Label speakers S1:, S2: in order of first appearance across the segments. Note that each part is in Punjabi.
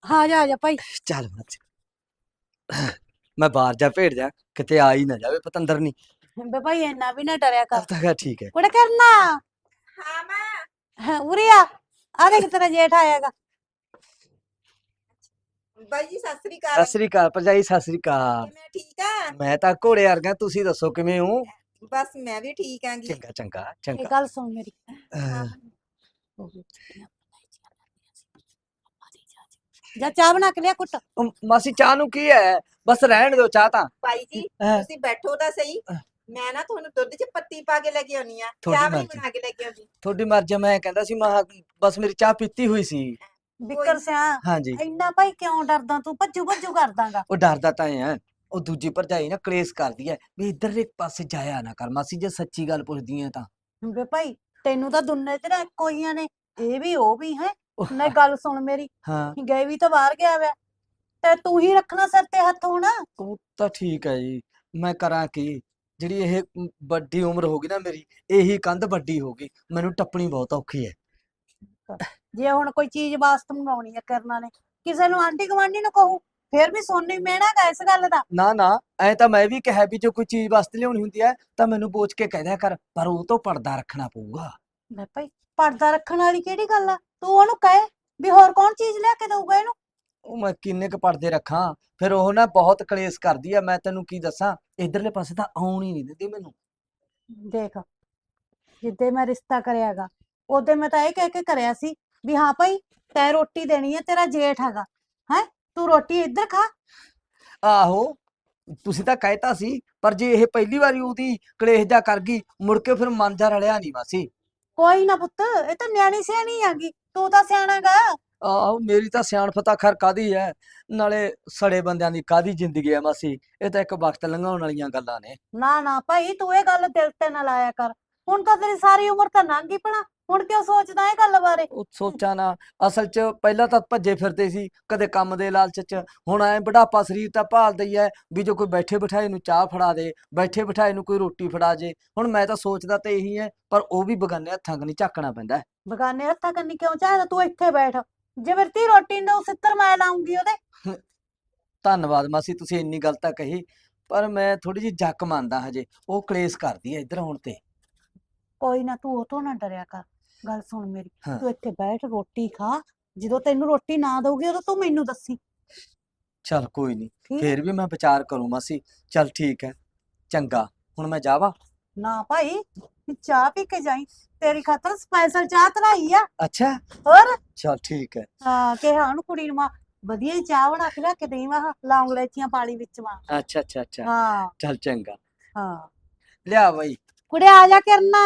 S1: ਆ ਜਾ ਭਾਈ।
S2: ਚੱਲ ਮਾਸੀ, ਮੈਂ ਬਾਹਰ ਜਾ ਭੇੜ ਜਾ, ਕਿਤੇ ਆ ਹੀ ਨਾ ਜਾਵੇ ਪਤੰਦਰ ਨਹੀਂ।
S1: ਬੇ ਭਾਈ ਇੰਨਾ ਵੀ ਨਾ ਡਰਿਆ ਕਰ।
S2: ਤਾਂ ਕਿਹਾ ਠੀਕ ਹੈ।
S1: ਕੁੜੇ ਕਰਨਾ।
S3: ਹਾਂ ਮਾਂ।
S1: ਉਰੇ ਆ ਦੇਖ ਤੇਰਾ ਜੇਠ ਆਇਆਗਾ।
S3: ਬਾਈ ਜੀ ਸਤਿ ਸ੍ਰੀ
S2: ਸਤਿ
S3: ਅਕਾਲ।
S2: ਸ੍ਰੀ ਅਕਾਲ ਭਰਜਾਈ, ਸਤਿ ਸ੍ਰੀ ਅਕਾਲ।
S3: ਕਿਵੇਂ ਠੀਕ ਆ?
S2: ਮੈਂ ਤਾਂ ਘੋੜੇ ਵਰਗਾ, ਤੁਸੀਂ ਦੱਸੋ ਕਿਵੇਂ ਹੋ?
S3: ਬਸ ਮੈਂ ਵੀ ਠੀਕ ਆਂਗੀ।
S2: ਚੰਗਾ ਚੰਗਾ
S1: ਇਹ
S2: ਚੰਗਾ।
S1: ਗੱਲ ਸੁਣ ਮੇਰੀ।
S3: ਹਾਂ।
S1: ਜਾ ਚਾਹ ਬਣਾ ਕੇ ਲਿਆ ਕੁੱਟ।
S2: ਉਹ ਮਾਸੀ ਚਾਹ ਨੂੰ ਕੀ ਹੈ, ਬਸ ਰਹਿਣ ਦਿਓ ਚਾਹ ਤਾਂ।
S3: ਬਾਈ ਜੀ
S2: ਹਾਂ।
S3: ਤੁਸੀਂ ਬੈਠੋ ਤਾਂ ਸਹੀ। ਮੈਂ ਨਾ ਤੁਹਾਨੂੰ ਦੁੱਧ 'ਚ ਪੱਤੀ ਪਾ ਕੇ ਲੈ ਕੇ ਆਉਣੀ ਆ,
S2: ਤੁਹਾਡੀ
S3: ਚਾਹ ਵੀ
S2: ਮਰਜ਼ੀ।
S3: ਬਣਾ ਕੇ ਲੈ ਕੇ ਆਉਂਦੀ।
S2: ਤੁਹਾਡੀ ਮਰਜ਼ੀ। ਮੈਂ ਕਹਿੰਦਾ ਸੀ ਬਸ ਮੇਰੀ ਚਾਹ ਪੀਤੀ ਹੋਈ ਸੀ।
S1: ਬਿੱਕਰ ਸਿਆ
S2: ਹਾਂਜੀ।
S1: ਇੰਨਾ ਭਾਈ ਕਿਉਂ ਡਰਦਾ ਤੂੰ? ਭੱਜੂ ਭੱਜੂ ਕਰਦਾਂਗਾ।
S2: ਉਹ ਡਰਦਾ ਤਾਂ ਹੈ, ਉਹ ਦੂਜੀ ਭਰਜਾਈ ਨਾ ਕਲੇਸ਼ ਕਰਦੀ ਹੈ ਵੀ ਇੱਧਰਲੇ ਪਾਸੇ ਜਾਇਆ ਨਾ ਕਰ ਮਾਸੀ, ਜੇ ਸੱਚੀ ਗੱਲ ਪੁੱਛਦੀ ਹੈ ਤਾਂ।
S1: ਬੇ ਭਾਈ ਤੈਨੂੰ ਤਾਂ ਦੁਨੀਆ ਤੇ ਨਾ ਇੱਕੋ ਹੀਆਂ ਨੇ, ਇਹ ਵੀ ਉਹ ਵੀ ਹੈ।
S2: ਉਹ
S1: ਨਾ ਗੱਲ ਸੁਣ ਮੇਰੀ,
S2: ਹਾਂ
S1: ਗਏ ਵੀ ਤਾਂ ਬਾਹਰ ਗਿਆ ਵਾ, ਤੇ ਤੂੰ ਹੀ ਰੱਖਣਾ ਸਿਰ ਤੇ ਹੱਥ ਹੁਣ।
S2: ਉਹ ਤਾਂ ਠੀਕ ਹੈ ਜੀ, ਮੈਂ ਕਰਾਂ ਕੀ? ਜਿਹੜੀ ਇਹ ਵੱਡੀ ਉਮਰ ਹੋ ਗਈ ਨਾ ਮੇਰੀ, ਇਹੀ ਕੰਧ ਵੱਡੀ ਹੋ ਗਈ, ਮੈਨੂੰ ਟੱਪਣੀ ਬਹੁਤ ਔਖੀ ਹੈ।
S1: ਜੇ ਹੁਣ ਕੋਈ ਚੀਜ਼ ਵਾਸਤੇ ਮੰਗਾਉਣੀ ਹੈ ਕਰਨਾ ਨੇ, ਕਿਸੇ ਨੂੰ ਆਂਢੀ ਗੁਆਂਢੀ ਨੂੰ ਕਹੂ, ਫੇਰ ਵੀ ਸੋਨੀ ਮਿਹਣਾ ਗਾ ਇਸ ਗੱਲ ਦਾ।
S2: ਨਾ ਨਾ, ਐ ਤਾਂ ਮੈਂ ਵੀ ਕਿਹਾ ਵੀ ਜੋ ਕੋਈ ਚੀਜ਼ ਵਾਸਤੇ ਲਿਆਉਣੀ ਹੁੰਦੀ ਹੈ ਤਾਂ ਮੈਨੂੰ ਪੁੱਛ ਕੇ ਕਹਿ ਦਿਆ ਕਰ, ਪਰ ਉਹ ਤੋਂ ਪਰਦਾ ਰੱਖਣਾ ਪਊਗਾ।
S1: ਲੈ ਭਾਈ ਪਰਦਾ ਰੱਖਣ ਵਾਲੀ ਕਿਹੜੀ ਗੱਲ ਆ? ਤੂੰ ਉਹਨੂੰ ਕਹੇ ਵੀ ਹੋਰ ਕੌਣ ਚੀਜ਼ ਲਿਆ ਕੇ ਦਊਗਾ ਇਹਨੂੰ।
S2: ਉਹ ਮੈਂ ਕਿੰਨੇ ਕੁ ਪਰਦੇ ਰੱਖਾਂ, ਫਿਰ ਉਹ ਨਾ ਬਹੁਤ ਕਲੇਸ਼ ਕਰਦੀ ਆ, ਮੈਂ ਤੈਨੂੰ ਕੀ ਦੱਸਾਂ, ਇਧਰਲੇ ਪਾਸੇ ਤਾਂ ਆਉਣ ਹੀ ਨਹੀਂ ਦਿੰਦੀ ਮੈਨੂੰ।
S1: ਦੇਖ ਜਿੱਦੇ ਮੈਂ ਰਿਸ਼ਤਾ ਕਰਿਆਗਾ, ਉਹਦੇ ਮੈਂ ਤਾਂ ਇਹ ਕਹਿ ਕੇ ਕਰਿਆ ਸੀ ਵੀ ਹਾਂ ਭਾਈ ਤੈਂ ਰੋਟੀ ਦੇਣੀ ਹੈ, ਤੇਰਾ ਜੇਠ ਹੈਗਾ ਹੈ, ਤੂੰ ਰੋਟੀ ਇੱਧਰ ਖਾ।
S2: ਆਹੋ, ਤੁਸੀਂ ਤਾਂ ਕਹਿਤਾ ਸੀ, ਪਰ ਜੇ ਇਹ ਪਹਿਲੀ ਵਾਰੀ ਉਹਦੀ ਕਲੇਸ਼ ਜਾ ਕਰ ਗਈ, ਮੁੜ ਕੇ ਫਿਰ ਮਨ ਜਾ ਰਲਿਆ ਨਹੀਂ ਮਾਸੀ।
S1: ਕੋਈ ਨਾ ਪੁੱਤ, ਇਹ ਤਾਂ ਨਿਆਣੀ ਸਿਆਣੀ ਆਗੀ, ਤੂੰ ਤਾਂ ਸਿਆਣਾਗਾ।
S2: ਆਹੋ, ਮੇਰੀ ਤਾਂ ਸਿਆਣਪ ਤਾਂ ਖੈਰ ਕਾਹਦੀ ਹੈ, ਨਾਲੇ ਸੜੇ ਬੰਦਿਆਂ ਦੀ ਕਾਹਦੀ ਜ਼ਿੰਦਗੀ ਹੈ ਮਾਸੀ, ਇਹ ਤਾਂ ਇੱਕ ਵਕਤ ਲੰਘਾਉਣ ਵਾਲੀਆਂ ਗੱਲਾਂ ਨੇ।
S1: ਨਾ ਨਾ ਭਾਈ ਤੂੰ ਇਹ ਗੱਲ ਦਿਲ ਤੇ ਨਾ ਲਾਇਆ ਕਰ, ਹੁਣ ਤਾਂ ਤੇਰੀ ਸਾਰੀ ਉਮਰ ਤਾਂ ਲੰਘ ਗਈ ਭਲਾ, ਹੁਣ ਕਿਉਂ ਸੋਚਦਾ ਇਹ ਗੱਲ ਬਾਰੇ?
S2: ਉਹ ਸੋਚਾਂ ਨਾ, ਅਸਲ 'ਚ ਪਹਿਲਾਂ ਤਾਂ ਭੱਜੇ ਫਿਰਦੇ ਸੀ ਕਦੇ ਕੰਮ ਦੇ ਲਾਲਚ 'ਚ, ਹੁਣ ਐ ਬੁਢਾਪਾ ਸਰੀਰ ਤਾਂ ਭਾਲਦਾ ਹੀ ਹੈ ਵੀ ਜੋ ਕੋਈ ਬੈਠੇ ਬਿਠਾਏ ਨੂੰ ਚਾਹ ਫੜਾ ਦੇ, ਬੈਠੇ ਬਿਠਾਏ ਨੂੰ ਕੋਈ ਰੋਟੀ ਫੜਾ ਜੇ। ਹੁਣ ਮੈਂ ਤਾਂ ਸੋਚਦਾ ਤੇ ਇਹੀ ਹੈ, ਪਰ ਉਹ ਵੀ ਬਗਾਨੇ ਹੱਥਾਂ ਕਨੀ ਝਾਕਣਾ ਪੈਂਦਾ ਹੈ।
S1: ਬਗਾਨੇ ਹੱਥਾਂ ਕੰਨੀ ਕਿਉਂ ਚਾਹਦਾ? ਤੂੰ ਇੱਥੇ ਬੈਠ, ਜੇ ਮੇਰੀ ਧੀ ਰੋਟੀ ਨੂੰ ਸਿੱਤਰ ਮੈਂ ਲਾਉਂਗੀ ਉਹਦੇ।
S2: ਧੰਨਵਾਦ ਮਾਸੀ, ਤੁਸੀਂ ਇੰਨੀ ਗੱਲ ਤਾਂ ਕਹੀ, ਪਰ ਮੈਂ ਥੋੜੀ ਜਿਹੀ ਜੱਕ ਮੰਨਦਾ ਹਜੇ, ਉਹ ਕਲੇਸ਼ ਕਰਦੀ ਹੈ ਇੱਧਰ ਆਉਣ ਤੇ।
S1: ਕੋਈ ਨਾ ਤੂੰ ਉਹ ਤੋਂ ਨਾ ਡਰਿਆ ਕਰ, ਗੱਲ ਸੁਣ ਮੇਰੀ,
S2: ਹਾਂ।
S1: ਤੂੰ ਇੱਥੇ ਬੈਠ ਰੋਟੀ ਖਾ, ਜਦੋਂ ਤੈਨੂੰ ਰੋਟੀ ਨਾ ਦਊਗੀ ਉਦੋਂ ਤੂੰ ਮੈਨੂੰ ਦੱਸੀ।
S2: ਚੱਲ ਕੋਈ ਨਹੀਂ,
S1: ਠੀਕ ਹੈ?
S2: ਫੇਰ ਵੀ ਮੈਂ ਵਿਚਾਰ ਕਰੂੰ ਮਾਸੀ। ਚੱਲ ਠੀਕ ਹੈ, ਚੰਗਾ, ਹੁਣ ਮੈਂ ਜਾਵਾਂ?
S1: ਨਾ ਭਾਈ ਚਾਹ ਪੀ ਕੇ ਜਾਈ, ਤੇਰੀ ਖਾਤਰ ਸਪੈਸ਼ਲ ਚਾਹ ਧਰਾਈ ਆ।
S2: ਅੱਛਾ,
S1: ਹੋਰ
S2: ਚੱਲ ਠੀਕ ਹੈ।
S1: ਹਾਂ ਕਿਹਾ ਉਹਨੂੰ ਕੁੜੀ ਨੂੰ, ਵਧੀਆ ਜਿਹੀ ਚਾਹ ਬਣਾ ਕੇ ਲਿਆ ਕੇ ਦੇਈ, ਮੈਂ ਲੌਂਗ ਲੈਚੀਆਂ ਪਾਲੀ ਵਿੱਚ ਮਾਂ।
S2: ਅੱਛਾ ਅੱਛਾ ਅੱਛਾ,
S1: ਹਾਂ
S2: ਚੱਲ ਚੰਗਾ,
S1: ਹਾਂ
S2: ਲਿਆ ਬਈ।
S1: ਕੁੜੇ ਆ ਜਾ ਕਰਨਾ,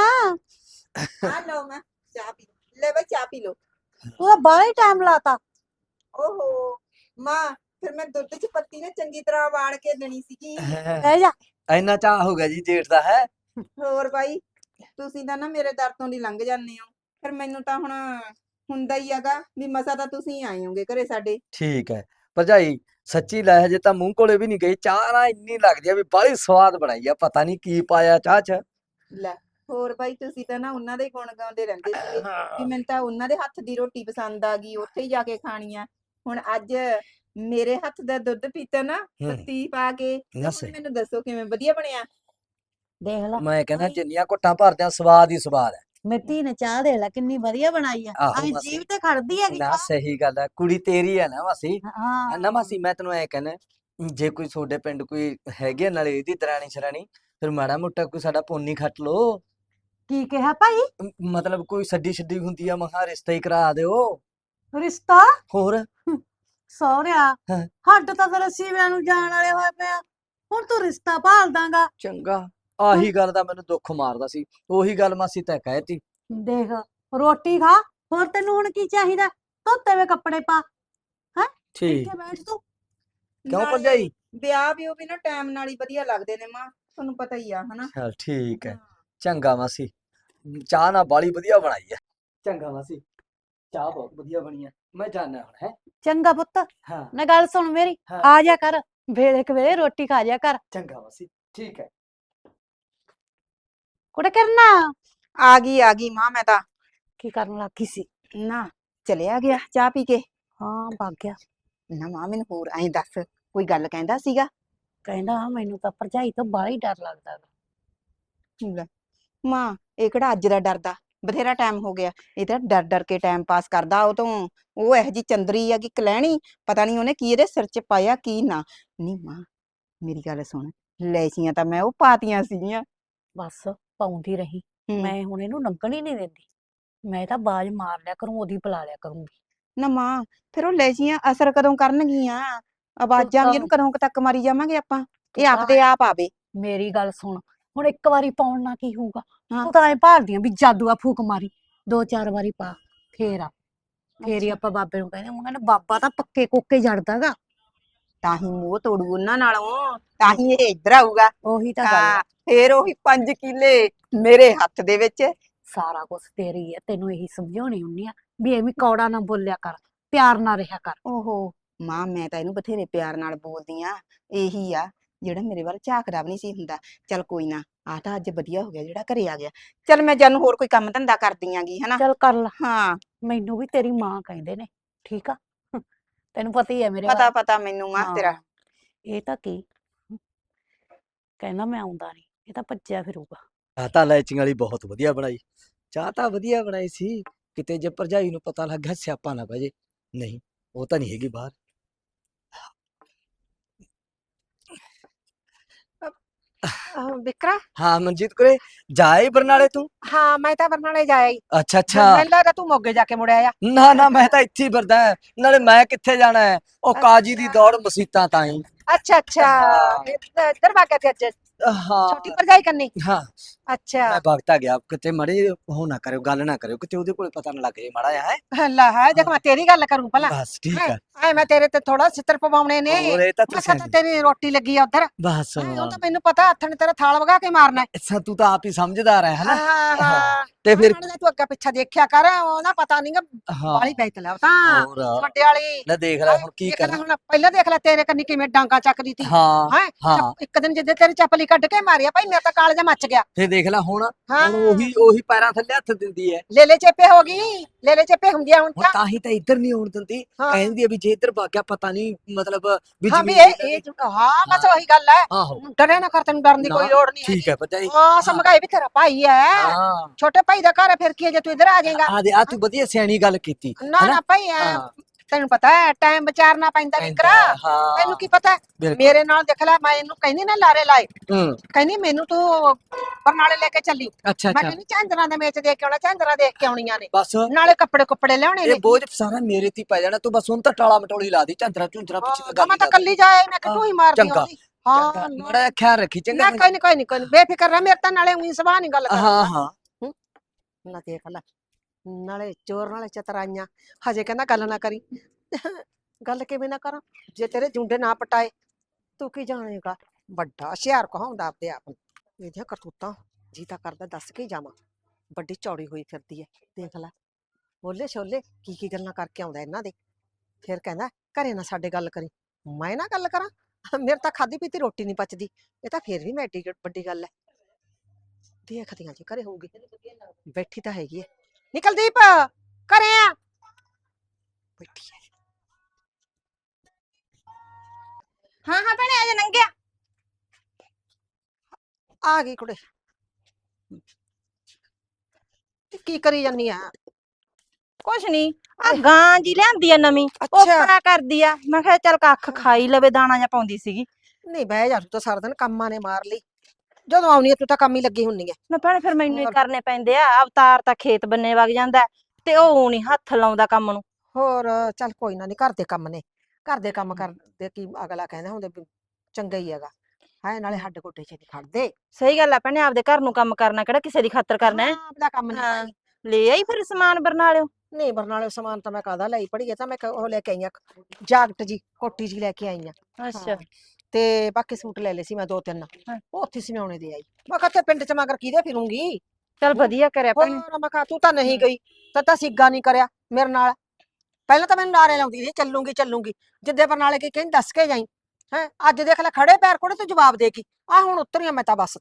S3: ਆ ਲਓ ਮਾਂ ਚਾਹ ਪੀ ਲਓ। ਲੈ ਬਈ ਚਾਹ ਪੀ ਲਓ।
S1: ਤੂੰ ਤਾਂ ਬਾਹਲਾ ਹੀ ਟਾਈਮ ਲਾਤਾ।
S3: ਓਹੋ ਮਾਂ, ਫਿਰ ਮੈਂ ਦੁੱਧ 'ਚ ਪੱਤੀ ਨਾ ਚੰਗੀ ਤਰ੍ਹਾਂ ਉਬਾਲ ਕੇ ਦੇਣੀ ਸੀਗੀ।
S1: ਬਹਿ ਜਾ।
S2: ਇੰਨਾ ਚਾਹ ਹੋ ਗਿਆ ਜੀ ਜੇਠ ਦਾ ਹੈ।
S3: ਹੋਰ ਬਾਈ, ਤੁਸੀਂ ਤਾਂ ਨਾ ਮੇਰੇ ਦਰ ਤੋਂ ਦੀ ਲੰਘ ਜਾਂਦੇ ਹੋ, ਫਿਰ ਮੈਨੂੰ ਤਾਂ ਹੁਣ ਹੁੰਦਾ ਹੀ ਹੈਗਾ ਵੀ ਮਸਾ ਤਾਂ ਤੁਸੀਂ ਆਏ ਹੋਗੇ ਘਰੇ ਸਾਡੇ।
S2: ਠੀਕ ਹੈ ਭਰਜਾਈ, ਸੱਚੀ ਲੈ ਹਜੇ ਤਾਂ ਮੂੰਹ ਕੋਲੇ ਵੀ ਨਹੀਂ ਗਈ, ਚਾਹ ਨਾ ਇੰਨੀ ਲੱਗਦੀ ਆ ਵੀ ਬਾਹਲੀ ਸਵਾਦ ਬਣਾਈ ਆ, ਪਤਾ ਨਹੀਂ ਕੀ ਪਾਇਆ ਚਾਹ 'ਚ।
S3: ਲੈ ਹੋਰ ਬਾਈ, ਤੁਸੀਂ ਤਾਂ ਨਾ ਉਹਨਾਂ ਦੇ ਹੀ ਗੁਣ ਗਾਉਂਦੇ ਰਹਿੰਦੇ ਸੀਗੇ ਵੀ ਮੈਨੂੰ ਤਾਂ ਉਹਨਾਂ ਦੇ ਹੱਥ ਦੀ ਰੋਟੀ ਪਸੰਦ ਆ ਗਈ, ਉੱਥੇ ਹੀ ਜਾ ਕੇ ਖਾਣੀ ਆ। ਹੁਣ ਅੱਜ ਮੇਰੇ ਹੱਥ ਦਾ ਦੁੱਧ ਪੀਤਾ ਨਾ ਪੱਤੀ ਪਾ ਕੇ, ਤੇ
S2: ਨਸ
S3: ਹੁਣ ਮੈਨੂੰ ਦੱਸੋ ਕਿਵੇਂ ਵਧੀਆ ਬਣਿਆ?
S1: ਦੇਖ ਲੈ
S2: ਮੈਂ ਕਹਿੰਦਾ ਜਿੰਨੀਆਂ ਘੁੱਟਾਂ ਭਰਦਿਆਂ ਸਵਾਦ ਹੀ ਸਵਾਦ ਹੈ।
S1: ਮੇਰੀ ਧੀ ਨੇ ਚਾਹ ਦੇਖ ਲੈ ਕਿੰਨੀ ਵਧੀਆ ਬਣਾਈ ਆ,
S2: ਆਹੋ
S1: ਆਹ
S2: ਮਾਸੀ,
S1: ਜੀਭ ਤੇ ਖੜਦੀ ਹੈਗੀ
S2: ਨਾ
S1: ਚਾਹ।
S2: ਸਹੀ ਗੱਲ ਹੈ, ਕੁੜੀ ਤੇਰੀ ਹੈ ਨਾ ਮਾਸੀ।
S1: ਹਾਂ
S2: ਨਾ ਮਾਸੀ, ਮੈਂ ਤੈਨੂੰ ਐ ਕਹਿੰਦਾ, ਜੇ ਕੋਈ ਤੁਹਾਡੇ ਪਿੰਡ ਕੋਈ ਹੈਗੀ ਆ ਨਾਲੇ ਇਹਦੀ ਦਰਾਣੀ ਸ਼ਰਾਣੀ, ਫਿਰ ਮਾੜਾ ਮੋਟਾ ਕੋਈ ਸਾਡਾ ਪੁੰਨ ਹੀ ਖੱਟ ਲੋ।
S1: ਕੀ ਕਿਹਾ ਭਾਈ?
S2: ਮਤਲਬ ਕੋਈ ਛੱਡੀ ਹੁੰਦੀ ਆ, ਮਹਾ ਰਿਸ਼ਤਾ ਹੀ ਕਰਾ ਦਿਓ।
S1: ਰਿਸ਼ਤਾ?
S2: ਹੋਰ
S1: ਸਹੁਰਿਆ
S2: ਹਾਂ।
S1: ਹੱਡ ਤਾਂ ਫਿਰ ਸੀਵਿਆਂ ਨੂੰ ਜਾਣ ਵਾਲੇ ਹੋਏ ਪਿਆ, ਹੁਣ ਤੂੰ ਰਿਸ਼ਤਾ ਭਾਲ ਦਾਂਗਾ?
S2: ਚੰਗਾ, ਆਹੀ ਗੱਲ ਦਾ ਮੈਨੂੰ ਦੁੱਖ ਮਾਰਦਾ ਸੀ, ਉਹੀ ਗੱਲ ਮਾਸੀ ਤੈਂ ਕਹਿਤੀ।
S1: ਦੇਖ ਰੋਟੀ ਖਾ, ਹੋਰ ਤੈਨੂੰ ਹੁਣ ਕੀ ਚਾਹੀਦਾ? ਧੋਤੇ ਵੇ ਕੱਪੜੇ ਪਾ, ਹੈ
S2: ਠੀਕ,
S1: ਇੱਥੇ ਬੈਠ ਤੂੰ।
S2: ਕਿਉਂ
S3: ਨਾਲੇ
S2: ਭਰਜਾਈ?
S3: ਵਿਆਹ ਵੀ ਉਹ ਵੀ ਨਾ ਟਾਈਮ ਨਾਲ ਹੀ ਵਧੀਆ ਲੱਗਦੇ ਨੇ ਮਾਂ, ਤੁਹਾਨੂੰ ਪਤਾ ਹੀ ਆ ਹਨਾ।
S2: ਚਲ ਠੀਕ ਹੈ,
S3: ਹਾਂ।
S2: ਚੰਗਾ ਮਾਸੀ, ਚਾਹ ਨਾ ਬਾਲੀ ਵਧੀਆ ਬਣਾਈ ਹੈ। ਚੰਗਾ ਮਾਸੀ, ਚਾਹ ਬਹੁਤ ਵਧੀਆ ਬਣੀ ਹੈ, ਮੈਂ ਜਾਣਾ ਹੁਣ ਹੈ।
S1: ਚੰਗਾ ਪੁੱਤ,
S2: ਹਾਂ
S1: ਨਾ ਗੱਲ ਸੁਣ ਮੇਰੀ,
S2: ਹਾਂ,
S1: ਆ ਜਾ ਕਰ ਵੇਲੇ ਕਵੇਲੇ ਰੋਟੀ ਖਾ ਜਾ ਕਰ।
S2: ਚੰਗਾ ਮਾਸੀ, ਠੀਕ ਹੈ।
S1: ਕੁੜੇ ਕਰਨਾ
S3: ਆ ਗਈ ਮਾਂ, ਮੈਂ ਤਾਂ
S1: ਕੀ ਕਰਨ ਲੱਗੀ ਸੀ?
S3: ਨਾ ਚਲਿਆ ਗਿਆ ਚਾਹ ਪੀ ਕੇ।
S1: ਹਾਂ ਭੱਗ ਗਿਆ।
S3: ਨਾ ਮਾਂ ਮੈਨੂੰ ਹੋਰ ਐਂ ਦੱਸ, ਕੋਈ ਗੱਲ ਕਹਿੰਦਾ ਸੀਗਾ?
S1: ਕਹਿੰਦਾ ਮੈਨੂੰ ਤਾਂ ਭਰਜਾਈ ਤੋਂ ਬਾਹਲਾ ਹੀ ਡਰ ਲੱਗਦਾ ਗਾ।
S3: ਲੈ, ਮਾਂ ਇਹ ਕਿਹੜਾ ਅੱਜ ਦਾ ਡਰਦਾ, ਬਥੇਰਾ ਟਾਈਮ ਹੋ ਗਿਆ। ਇਹ ਤਾਂ ਡਰ ਡਰ ਕੇ ਟਾਈਮ ਪਾਸ ਕਰਦਾ। ਉਹ ਇਹੋ ਜੀ ਚੰਦਰੀ ਆ ਕਿ ਕਲੈਣੀ, ਪਤਾ ਨਹੀਂ ਉਹਨੇ ਕੀ ਇਹਦੇ ਸਿਰ 'ਚ ਪਾਇਆ ਕੀ ਨਾ। ਨਹੀਂ ਮਾਂ ਮੇਰੀ ਗੱਲ ਸੁਣ, ਲੈਚੀਆਂ ਤਾਂ ਮੈਂ ਉਹ ਪਾਤੀਆਂ ਸੀਗੀਆਂ।
S1: ਬਸ ਪਾਉਂਦੀ ਰਹੀ,
S3: ਹੂੰ।
S1: ਮੈਂ ਹੁਣ ਇਹਨੂੰ ਲੰਘਣ ਹੀ ਨਹੀਂ ਦਿੰਦੀ। ਮੈਂ ਤਾਂ ਬਾਜ਼ ਮਾਰ ਲਿਆ ਕਰੂੰ, ਉਹਦੀ ਬੁਲਾ ਲਿਆ ਕਰੂੰਗੀ।
S3: ਨਾ ਮਾਂ ਫਿਰ ਉਹ ਲੈਚੀਆਂ ਅਸਰ ਕਦੋਂ ਕਰਨਗੀਆਂ? ਆਵਾਜ਼ਾਂ ਵੀ
S1: ਤਾਂ-
S3: ਇਹਨੂੰ ਕਦੋਂ ਕੁ ਤੱਕ ਮਾਰੀ ਜਾਵਾਂਗੇ ਆਪਾਂ?
S1: ਤੂੰ
S3: ਇਹ
S1: ਤਾਂ
S3: ਆਪਦੇ ਆਪ ਆਵੇ।
S1: ਮੇਰੀ ਗੱਲ ਸੁਣ, ਹੁਣ ਇੱਕ ਵਾਰੀ ਪਾਉਣ ਨਾਲ ਕੀ ਹੋਊਗਾ?
S3: ਹਾਂ।
S1: ਤੂੰ ਤਾਂ ਐ ਭਾਲਦੀ ਆਂ ਵੀ ਜਾਦੂ ਆ ਫੂਕ ਮਾਰੀ, 2-4 ਵਾਰੀ ਪਾ ਫੇਰ ਆ, ਫੇਰ ਹੀ
S3: ਅੱਛਾ।
S1: ਆਪਾਂ ਬਾਬੇ ਨੂੰ ਕਹਿੰਦੇ। ਉਹ ਕਹਿੰਦੇ ਬਾਬਾ ਤਾਂ ਪੱਕੇ ਕੋਕੇ ਜੜਦਾਗਾ।
S3: ਤਾਂ ਹੀ ਮੂੰਹ ਤੋੜੂ ਉਹਨਾਂ ਨਾਲੋਂ, ਤਾਂ ਹੀ ਇਹ ਇੱਧਰ ਆਊਗਾ।
S1: ਉਹੀ ਤਾਂ ਗੱਲ
S3: ਹਾਂ
S1: ਆ,
S3: ਫੇਰ ਉਹੀ 5 ਕਿੱਲੇ ਮੇਰੇ ਹੱਥ ਦੇ ਵਿੱਚ।
S1: ਸਾਰਾ ਕੁਝ ਤੇਰੀ ਹੈ। ਤੈਨੂੰ ਇਹੀ ਸਮਝਾਉਣੀ ਹੁੰਨੀ ਆ ਵੀ ਐਵੇਂ ਕੌੜਾ ਨਾ ਬੋਲਿਆ ਕਰ, ਪਿਆਰ ਨਾਲ ਰਿਹਾ ਕਰ।
S3: ਓਹੋ ਮਾਂ ਮੈਂ ਤਾਂ ਇਹਨੂੰ ਬਥੇਰੇ ਪਿਆਰ ਨਾਲ ਬੋਲਦੀ ਆ। ਇਹੀ ਆ ਜਿਹੜਾ ਮੇਰੇ ਵੱਲ ਝਾਕਦਾ ਵੀ ਨਹੀਂ ਸੀ ਹੁੰਦਾ। ਚੱਲ ਕੋਈ ਨਾ, ਆ ਤਾਂ ਅੱਜ ਵਧੀਆ ਹੋ ਗਿਆ ਜਿਹੜਾ ਘਰੇ ਆ ਗਿਆ। ਚੱਲ ਮੈਂ ਜਾਨੂੰ ਹੋਰ ਕੋਈ ਕੰਮ ਧੰਦਾ ਕਰਦੀ ਆਂਗੀ ਹਨਾ।
S1: ਚੱਲ ਕਰ ਲਾ,
S3: ਹਾਂ
S1: ਮੈਨੂੰ ਵੀ ਤੇਰੀ ਮਾਂ ਕਹਿੰਦੇ ਨੇ, ਠੀਕ ਆ? ਤੈਨੂੰ ਪਤਾ ਹੀ ਹੈ ਮੇਰੇ
S3: ਪਤਾ
S1: ਬਾਰੇ।
S3: ਪਤਾ ਮੈਨੂੰ ਮਾਂ ਤੇਰਾ।
S1: ਹਾਂ, ਇਹ ਤਾਂ ਕੀ ਕਹਿੰਦਾ ਮੈਂ ਆਉਂਦਾ ਨਹੀਂ, ਇਹ ਤਾਂ ਭੱਜਿਆ ਫਿਰੂਗਾ।
S2: ਚਾਹ ਤਾਂ ਲੈਚੀਆਂ ਵਾਲੀ ਬਹੁਤ ਵਧੀਆ ਬਣਾਈ। ਚਾਹ ਤਾਂ ਵਧੀਆ ਬਣਾਈ ਸੀ। ਕਿਤੇ ਜੇ ਭਰਜਾਈ ਨੂੰ ਪਤਾ ਲੱਗ ਗਿਆ ਸਿਆਪਾ ਨਾ ਪੈ ਜੇ। ਨਹੀਂ, ਉਹ ਤਾਂ ਨਹੀਂ ਹੈਗੀ ਬਾਹਰ।
S4: ਵਿਕਰਾ,
S2: ਹਾਂ ਮਨਜੀਤ ਕੁਰੇ, ਜਾਏ ਬਰਨਾਲੇ ਤੂੰ?
S4: ਹਾਂ ਮੈਂ ਤਾਂ ਬਰਨਾਲੇ ਜਾਇਆ ਈ।
S2: ਅੱਛਾ ਅੱਛਾ।
S4: ਮੈਨੂੰ ਲੱਗਦਾ ਤੂੰ ਮੋਗੇ ਜਾ ਕੇ ਮੁੜਿਆ ਆ।
S2: ਨਾ ਨਾ, ਮੈਂ ਤਾਂ ਇੱਥੇ ਹੀ ਫਿਰਦਾ ਹੈ। ਨਾਲੇ ਮੈਂ ਕਿੱਥੇ ਜਾਣਾ ਹੈ? ਉਹ ਕਾਜੀ ਦੀ ਦੌੜ ਮਸੀਤਾਂ ਤਾਈਂ।
S4: ਅੱਛਾ ਅੱਛਾ,
S2: ਹਾਂ।
S4: ਇੱਧਰ ਵਾਗਿਆ ਤੇ ਅੱਜ
S2: ਹਾਂ
S4: ਛੋਟੀ ਭਰਜਾਈ ਕਰਨੀ।
S2: ਹਾਂ,
S4: ਅੱਛਾ
S2: ਮੈਂ ਭਗਤਾ ਗਿਆ। ਕਿਤੇ ਮੜੇ ਉਹ ਨਾ ਕਰਿਓ, ਗੱਲ ਨਾ ਕਰਿਓ, ਕਿਤੇ ਉਹਦੇ ਕੋਲ ਪਤਾ ਨਾ ਲੱਗ ਜੇ ਮਾੜਾ ਜਿਹਾ ਹੈ।
S4: ਲੈ ਹੈ, ਦੇਖ ਮੈਂ ਤੇਰੀ ਗੱਲ ਕਰੂੰ ਭਲਾ।
S2: ਬਸ ਠੀਕ ਹੈ।
S4: ਐ ਮੈਂ ਤੇਰੇ ਤੇ ਥੋੜਾ ਛਿੱਤਰ ਪਵਾਉਣੇ ਨੇ।
S2: ਹੋਰ ਇਹ ਤਾਂ
S4: ਮੈਂ
S2: ਤੁਸੀਂ
S4: ਕਿਹਾ ਤੇਰੀ ਰੋਟੀ ਲੱਗੀ ਆ ਉਧਰ।
S2: ਬਸ
S4: ਉਹ ਤਾਂ ਮੈਨੂੰ ਪਤਾ, ਹੱਥ ਨੇ ਤੇਰਾ ਥਾਲ ਵਗਾ ਕੇ ਮਾਰਨਾ ਹੈ।
S2: ਅੱਛਾ, ਤੂੰ ਤਾਂ ਆਪ ਹੀ ਸਮਝਦਾਰ ਹੈ ਹਨਾ।
S4: ਹਾਂ ਹਾਂ,
S2: ਤੇ ਫਿਰ
S4: ਤੂੰ ਅੱਗਾ ਪਿੱਛਾ ਦੇਖਿਆ ਕਰ, ਉਹ ਨਾ ਪਤਾ ਨਹੀਂਗਾ
S2: ਹਾਂ
S4: ਵਾਲੀ ਬੈਠ ਲੈ ਤਾਂ
S2: ਹੋਰ
S4: ਵੱਡੇ ਵਾਲੀ।
S2: ਲੈ ਦੇਖ ਲੈ ਹੁਣ ਕੀ
S4: ਦੇਖ ਲੈ
S2: ਕਰਾਂ।
S4: ਹੁਣ, ਪਹਿਲਾਂ ਦੇਖ ਲੈ ਤੇਰੇ ਕੰਨੀ ਕਿਵੇਂ ਡਾਂਗਾ ਚੱਕਦੀ ਤੀ।
S2: ਹਾਂ
S4: ਹੈਂ?
S2: ਹਾਂ,
S4: ਇੱਕ ਦਿਨ ਜਿੱਦੇ ਤੇਰੀ ਚੱਪਲੀ ਕੱਢ ਕੇ ਮਾਰਿਆ ਭਾਈ, ਮੇਰਾ ਤਾਂ ਕਾਲਜਾ ਮੱਚ ਗਿਆ।
S2: ਫੇਰ ਦੇਖ ਲੈ ਹੁਣ
S4: ਹਾਂ
S2: ਉਹੀ ਪੈਰਾਂ ਥੱਲੇ ਹੱਥ ਦਿੰਦੀ ਹੈ।
S4: ਲੇਲੇ ਚੇਪੇ ਹੋ ਗਈ, ਲੇਲੇ ਚੇਪੇ ਹੁੰਦੀ ਆ ਹੁਣ
S2: ਹੁਣ
S4: ਤਾਂ।
S2: ਤਾਂ ਹੀ ਤਾਂ ਇੱਧਰ ਨਹੀਂ ਆਉਣ ਦਿੰਦੀ।
S4: ਹਾਂ
S2: ਕਹਿੰਦੀ ਆ ਵੀ ਜੇ ਇੱਧਰ ਭੱਗ ਗਿਆ ਪਤਾ ਨਹੀਂ, ਮਤਲਬ ਵੀ
S4: ਹਾਂ ਵੀ
S2: ਜ਼ਮੀਨ
S4: ਹਾਂ ਬਸ ਉਹੀ ਗੱਲ ਹੈ।
S2: ਆਹੋ
S4: ਡਰੇ ਨਾ ਕਰ, ਤੈਨੂੰ ਡਰਨ ਦੀ
S2: ਨਾ,
S4: ਕੋਈ ਲੋੜ ਨਹੀਂ
S2: ਠੀਕ ਹੈ ਭਰਜਾਈ।
S4: ਹਾਂ ਸਮਝਾਈ ਵੀ ਤੇਰਾ ਭਾਈ ਹੈ,
S2: ਹਾਂ
S4: ਛੋਟੇ ਭਾਈ ਦਾ ਘਰ ਹੈ, ਫਿਰ ਕੀ ਹੈ ਜੇ ਤੂੰ ਇੱਧਰ ਆ ਜਾਏਗਾ।
S2: ਆ ਤੂੰ ਵਧੀਆ ਸਿਆਣੀ ਗੱਲ ਕੀਤੀ
S4: ਨਾ
S2: ਹਨਾ।
S4: ਨਾ ਭਾਈ
S2: ਹਾਂ
S4: ਤੈਨੂੰ ਪਤਾ ਹੈ ਟਾਈਮ ਵਿਚਾਰਨਾ ਪੈਂਦਾ ਵਿਕਰਾ।
S2: ਹਾਂ
S4: ਤੈਨੂੰ ਕੀ ਪਤਾ
S2: ਬਿਲਕੁਲ।
S4: ਮੇਰੇ ਨਾਲ ਦੇਖ ਲੈ, ਮੈਂ ਇਹਨੂੰ ਕਹਿੰਦੀ ਨਾ ਲਾਰੇ ਲਾਏ,
S2: ਹੂੰ
S4: ਕਹਿੰਦੀ ਮੈਨੂੰ ਤੂੰ ਬਰਨਾਲੇ ਲੈ ਕੇ ਚੱਲੀ।
S2: ਅੱਛਾ
S4: ਮੈਂ
S2: ਅੱਛਾ,
S4: ਕਹਿੰਦੀ ਝਾਂਜਰਾਂ ਦੇ ਮੇਚ ਦੇਖ ਕੇ ਆਉਣਾ, ਝਾਂਜਰਾਂ ਦੇਖ ਕੇ ਆਉਣੀਆਂ ਨੇ,
S2: ਬਸ
S4: ਨਾਲੇ ਕੱਪੜੇ ਕੁੱਪੜੇ ਲਿਆਉਣੇ
S2: ਇਹ
S4: ਨੇ।
S2: ਬੋਝ ਸਾਰਾ ਮੇਰੇ ਤੇ ਹੀ ਪੈ ਜਾਣਾ। ਤੂੰ ਬਸ ਹੁਣ ਤਾਂ ਟਾਲਾ ਮਟੋਲੀ ਲਾ ਦੀ, ਝੰਦਰਾ ਝੁੰਦਰਾ ਪਿੱਛੇ ਤਾਂ
S4: ਹਾਂ,
S2: ਗੱਲ
S4: ਮੈਂ
S2: ਹੀ
S4: ਤਾਂ
S2: ਕਰ।
S4: ਕੱਲੀ ਜਾਏ, ਮੈਂ ਕਿਹਾ ਤੂੰ ਹੀ ਮਾਰਦੀ
S2: ਚੰਗਾ,
S4: ਆਉਂਦੀ। ਹਾਂ
S2: ਮਾੜਾ ਜਿਹਾ ਖਿਆਲ ਰੱਖੀ ਚੰਗਾ।
S4: ਨਾ ਕੋਈ ਨਹੀਂ ਕੋਈ ਨਹੀਂ ਕੋਈ ਨਹੀਂ, ਬੇਫਿਕਰ ਰਹਿ, ਮੇਰੇ ਤਾਂ ਨਾਲੇ ਉਹੀ ਸੁਭਾਅ ਨਹੀਂ ਗੱਲ
S2: ਹਾਂ
S4: ਕਰਦਾ।
S2: ਹਾਂ
S4: ਨਾ ਦੇਖ ਲੈ, ਨਾਲੇ ਚੋਰ ਨਾਲੇ ਚਤਰਾਈਆਂ। ਹਜੇ ਕਹਿੰਦਾ ਗੱਲ ਨਾ ਕਰੀ। ਗੱਲ ਕਿਵੇਂ ਨਾ ਕਰਾਂ ਜੇ ਤੇਰੇ ਜੁੰਡੇ ਨਾ ਪਟਾਏ? ਤੂੰ ਕੀ ਜਾਣੇਗਾ, ਵੱਡਾ ਹੁਸ਼ਿਆਰ ਕਹਾਉਂਦਾ ਆਪਦੇ ਆਪ ਨੂੰ। ਇਹਦੀਆਂ ਕਰਤੂਤਾਂ ਜੀ ਤਾਂ ਕਰਦਾ ਦੱਸ ਕੇ ਹੀ ਜਾਵਾਂ। ਵੱਡੀ ਚੌੜੀ ਹੋਈ ਫਿਰਦੀ ਐ, ਦੇਖ ਲੈ ਬੋਲੇ ਛੋਲੇ ਕੀ ਕੀ ਗੱਲਾਂ ਕਰਕੇ ਆਉਂਦਾ ਇਹਨਾਂ ਦੇ। ਫਿਰ ਕਹਿੰਦਾ ਘਰੇ ਨਾ ਸਾਡੇ ਗੱਲ ਕਰੀ, ਮੈਂ ਨਾ ਗੱਲ ਕਰਾਂ? ਮੇਰੇ ਤਾਂ ਖਾਦੀ ਪੀਤੀ ਰੋਟੀ ਨਹੀਂ ਪਚਦੀ, ਇਹ ਤਾਂ ਫਿਰ ਵੀ ਮੈਂ ਏਡੀ ਵੱਡੀ ਗੱਲ ਐ। ਦੇਖਦੀਆਂ ਜੀ ਘਰੇ ਹੋਊਗੀ, ਬੈਠੀ ਤਾਂ ਹੈਗੀ ਐ। ਨਿਕਲ ਦੀਪ, ਘਰੇ ਆ ਬੈਠੀ ਐ।
S3: ਹਾਂ ਹਾਂ ਭੈਣੇ ਆ ਜਾ ਨੰਗਿਆ।
S4: ਆ ਗਈ ਕੁੜੇ, ਕੀ ਕਰੀ ਜਾਨੀ ਆ?
S3: ਕੁਛ ਨਹੀਂ, ਆ ਗਾਂ ਜੀ ਲਿਆਂਦੀ ਆ ਨਵੀਂ,
S4: ਅੱਛਾ
S3: ਓਪਰਾ ਕਰਦੀ ਆ। ਮੈਂ ਕਿਹਾ ਚੱਲ ਕੱਖ ਖਾਈ ਲਵੇ, ਦਾਣਾ ਜਾਂ ਪਾਉਂਦੀ ਸੀਗੀ।
S4: ਨਹੀਂ ਬਹਿ ਜਾ, ਤੂੰ ਤਾਂ ਸਾਰਾ ਦਿਨ ਕੰਮਾਂ ਨੇ ਮਾਰ ਲਈ। ਜਦੋਂ ਆਉਣੀ ਐ ਤੂੰ ਤਾਂ ਕੰਮ ਹੀ ਲੱਗੀ ਹੁੰਨੀ ਐ।
S3: ਨਾ ਭੈਣੇ ਫਿਰ ਮੈਨੂੰ ਹੀ
S4: ਹੋਰ।
S3: ਕਰਨੇ ਪੈਂਦੇ ਆ। ਅਵਤਾਰ ਤਾਂ ਖੇਤ ਬੰਨੇ ਵਗ ਜਾਂਦਾ ਤੇ ਉਹ ਨਹੀਂ ਹੱਥ ਲਾਉਂਦਾ ਕੰਮ ਨੂੰ।
S4: ਹੋਰ ਚੱਲ ਕੋਈ ਨਾ, ਨਹੀਂ ਘਰ ਦੇ ਕੰਮ ਨੇ, ਘਰ ਦੇ ਕੰਮ ਕਰਦੇ ਕੀ ਅਗਲਾ ਕਹਿੰਦਾ ਹੁੰਦਾ ਵੀ ਚੰਗਾ ਹੀ ਹੈਗਾ ਹੈ, ਨਾਲੇ ਹੱਡ ਗੋਡੇ ਚ ਨਹੀਂ ਖੜਦੇ।
S3: ਸਹੀ ਗੱਲ ਆ ਭੈਣੇ, ਆਪਦੇ ਘਰ ਨੂੰ ਕੰਮ ਕਰਨਾ ਕਿਹੜਾ ਕਿਸੇ ਦੀ ਖਾਤਰ ਕਰਨਾ ਹੈ।
S4: ਹਾਂ, ਆਪਦਾ ਕੰਮ ਨਹੀਂ
S3: ਹਾਂ, ਲੈ ਆਈ ਫਿਰ ਸਮਾਨ ਬਰਨਾਲਿਓ?
S4: ਨਹੀਂ ਬਰਨਾਲੇ ਸਮਾਨ ਤਾਂ ਮੈਂ ਕਾਹਦਾ ਲਈ ਪੜੀ, ਤਾਂ ਮੈਂ ਉਹ ਲੈ ਕੇ ਆਈ ਆ, ਜਾਕਟ ਜੀ ਕੋਟੀ ਜੀ ਲੈ ਕੇ ਆਈ ਆ।
S3: ਅੱਛਾ
S4: ਤੇ ਬਾਕੀ ਸੂਟ ਲੈ ਲਏ ਸੀ ਮੈਂ 2-3, ਉਹ ਉੱਥੇ ਸਿਉਣੇ ਦੇ ਆਈ। ਮੈਂ ਕਿਹਾ ਤੇ ਪਿੰਡ ਚ ਮਗਰ ਕਿਹਦੇ ਫਿਰੂੰਗੀ।
S3: ਚੱਲ ਵਧੀਆ ਕਰਿਆ
S4: ਹੋਰ
S3: ਭੈਣੇ।
S4: ਮੈਂ ਕਿਹਾ ਤੂੰ ਤਾਂ ਨਹੀਂ ਗਈ, ਤਾਂ ਸਿੱਗਾ ਨਹੀਂ ਕਰਿਆ ਮੇਰੇ ਨਾਲ। ਪਹਿਲਾਂ ਤਾਂ ਮੈਨੂੰ ਨਾਰੇ ਲਾਉਂਦੀ ਸੀ ਚੱਲੂਗੀ ਚੱਲੂਗੀ, ਜਿੱਦੇ ਬਰਨਾਲੇ ਕੀ ਕਹਿੰਦੀ ਦੱਸ ਕੇ ਜਾਈ। ਹੈ ਅੱਜ ਦੇਖ ਲੈ ਖੜੇ ਪੈਰ ਕੋੜੇ ਤੂੰ ਜਵਾਬ ਦੇ ਗਈ। ਆ ਹੁਣ ਉਤਰੀਆਂ ਮੈਂ ਤਾਂ ਬੱਸ ਤੋਂ।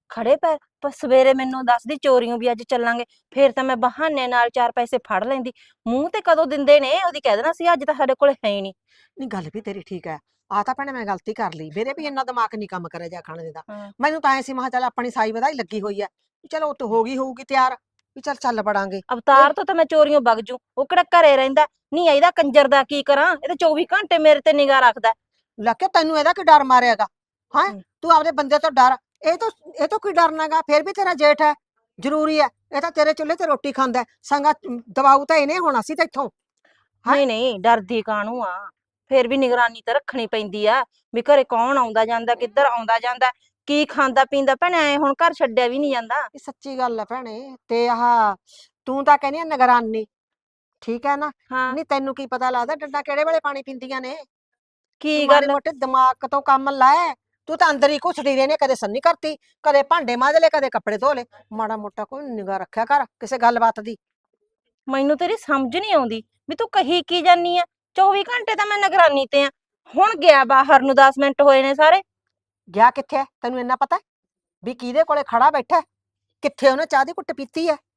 S5: ਖੜੇ ਪੈਰ ਪਰ ਸਵੇਰੇ ਮੈਨੂੰ ਦੱਸਦੀ ਚੋਰੀਆਂ ਵੀ ਅੱਜ ਚੱਲਾਂਗੇ, ਫੇਰ ਤਾਂ ਮੈਂ ਬਹਾਨੇ ਨਾਲ 4 ਪੈਸੇ ਫੜ ਲੈਂਦੀ। ਮੂੰਹ ਤੇ ਕਦੋਂ ਦਿੰਦੇ ਨੇ, ਉਹਦੀ ਕਹਿ ਦੇਣਾ ਸੀ ਅੱਜ ਤਾਂ ਸਾਡੇ ਕੋਲ ਹੈ ਹੀ ਨਹੀਂ।
S4: ਨਹੀਂ ਗੱਲ ਵੀ ਤੇਰੀ ਠੀਕ ਹੈ। ਆ ਤਾਂ ਭੈਣੇ ਮੈਂ ਗਲਤੀ ਕਰ ਲਈ, ਮੇਰੇ ਵੀ ਇੰਨਾ ਦਿਮਾਗ ਨਹੀਂ ਕੰਮ ਕਰਿਆ ਜਾ ਖਾਣੇ ਦਾ।
S5: ਹਾਂ।
S4: ਮੈਨੂੰ ਤਾਂ ਐ ਸੀ, ਮੈਂ ਕਿਹਾ ਚੱਲ ਆਪਣੀ ਸਾਈ ਵਧਾਈ ਲੱਗੀ ਹੋਈ ਐ, ਵੀ ਚਲੋ ਉੱਤ ਹੋ ਗਈ ਹੋਊਗੀ ਤਿਆਰ, ਵੀ ਚੱਲ ਚੱਲ ਪੜਾਂਗੇ।
S5: ਅਵਤਾਰ ਤੋਂ ਤਾਂ ਮੈਂ ਚੋਰੀਆਂ ਵਗ ਜੂ, ਉਹ ਕਿਹੜਾ ਘਰੇ ਰਹਿੰਦਾ ਨਹੀਂ। ਇਹਦਾ ਕੰਜਰ ਦਾ ਕੀ ਕਰਾਂ, ਇਹ ਤਾਂ 24 ਘੰਟੇ ਮੇਰੇ ਤੇ ਨਿਗਾਹ ਰੱਖਦਾ।
S4: ਲੱਕੇ ਤੈਨੂੰ ਇਹਦਾ ਕੀ ਡਰ ਮਾਰਿਆਗਾ? ਹਾਂ,
S5: ਹਮ।
S4: ਤੂੰ ਆਪਦੇ ਬੰਦੇ ਤੋਂ ਡਰ। ਇਹ ਤੋਂ ਕੀ ਡਰਨਾਗਾ? ਫੇਰ ਵੀ ਤੇਰਾ ਜੇਠ ਹੈ, ਜ਼ਰੂਰੀ ਹੈ। ਇਹ ਤਾਂ ਤੇਰੇ ਚੁੱਲ੍ਹੇ ਤੇ ਰੋਟੀ ਖਾਂਦਾ ਹੈ। ਸੰਗਾ ਦਬਾਊ ਤਾਂ ਇਹਨੇ ਹੋਣਾ ਸੀ ਤੈਥੋਂ। ਹਾਂ।
S5: ਨਹੀਂ ਨਹੀਂ, ਡਰਦੀ ਕਾਹਨੂੰ ਆ, ਫੇਰ ਵੀ ਨਿਗਰਾਨੀ ਤਾਂ ਰੱਖਣੀ ਪੈਂਦੀ ਆ ਵੀ ਘਰੇ ਕੌਣ ਆਉਂਦਾ ਜਾਂਦਾ, ਕਿੱਧਰ ਆਉਂਦਾ ਜਾਂਦਾ, ਕੀ ਖਾਂਦਾ ਪੀਂਦਾ। ਭੈਣੇ ਐ ਹੁਣ ਘਰ ਛੱਡਿਆ ਵੀ ਨਹੀਂ ਜਾਂਦਾ।
S4: ਇਹ ਸੱਚੀ ਗੱਲ ਹੈ ਭੈਣੇ। ਤੇ ਆਹ ਤੂੰ ਤਾਂ ਕਹਿੰਦੀ ਆ ਨਿਗਰਾਨੀ, ਠੀਕ ਹੈ ਨਾ?
S5: ਹਾਂ।
S4: ਨਹੀਂ ਤੈਨੂੰ ਕੀ ਪਤਾ ਲੱਗਦਾ ਡੰਡਾ ਕਿਹੜੇ ਵੇਲੇ ਪਾਣੀ ਪੀਂਦੀਆਂ ਨੇ?
S5: ਕੀ
S4: ਤੂੰ ਮਾੜੇ
S5: ਗੱਲ?
S4: ਮੋਟੇ ਦਿਮਾਗ ਤੋਂ ਕੰਮ ਲੈ। ਤੂੰ ਤਾਂ ਅੰਦਰ ਹੀ ਘੁਸੜੀ ਰਹਿੰਦੀ, ਕਦੇ ਸੰਨੀ ਕਰਤੀ, ਕਦੇ ਭਾਂਡੇ ਮਾਂਜ ਲਏ, ਕਦੇ ਕੱਪੜੇ ਧੋ ਲਏ। ਮਾੜਾ ਮੋਟਾ ਕੋਈ ਨਿਗਾਹ ਰੱਖਿਆ ਕਰ ਕਿਸੇ ਗੱਲਬਾਤ ਦੀ।
S5: ਮੈਨੂੰ ਤੇਰੀ ਸਮਝ ਨਹੀਂ ਆਉਂਦੀ ਵੀ ਤੂੰ ਕਹੀ ਕੀ ਜਾਨੀ ਆ। 24 ਘੰਟੇ ਤਾਂ ਮੈਂ ਨਿਗਰਾਨੀ ਤੇ ਆ। ਹੁਣ ਗਿਆ ਬਾਹਰ ਨੂੰ, 10 ਮਿੰਟ ਹੋਏ ਨੇ ਸਾਰੇ।
S4: ਗਿਆ ਕਿੱਥੇ ਹੈ? ਤੈਨੂੰ ਇੰਨਾ ਪਤਾ ਹੈ ਵੀ ਕਿਹਦੇ ਕੋਲੇ ਖੜਾ ਬੈਠਾ ਹੈ? ਕਿੱਥੇ ਉਹਨੇ ਚਾਹ ਦੀ ਘੁੱਟ ਪੀਤੀ ਹੈ?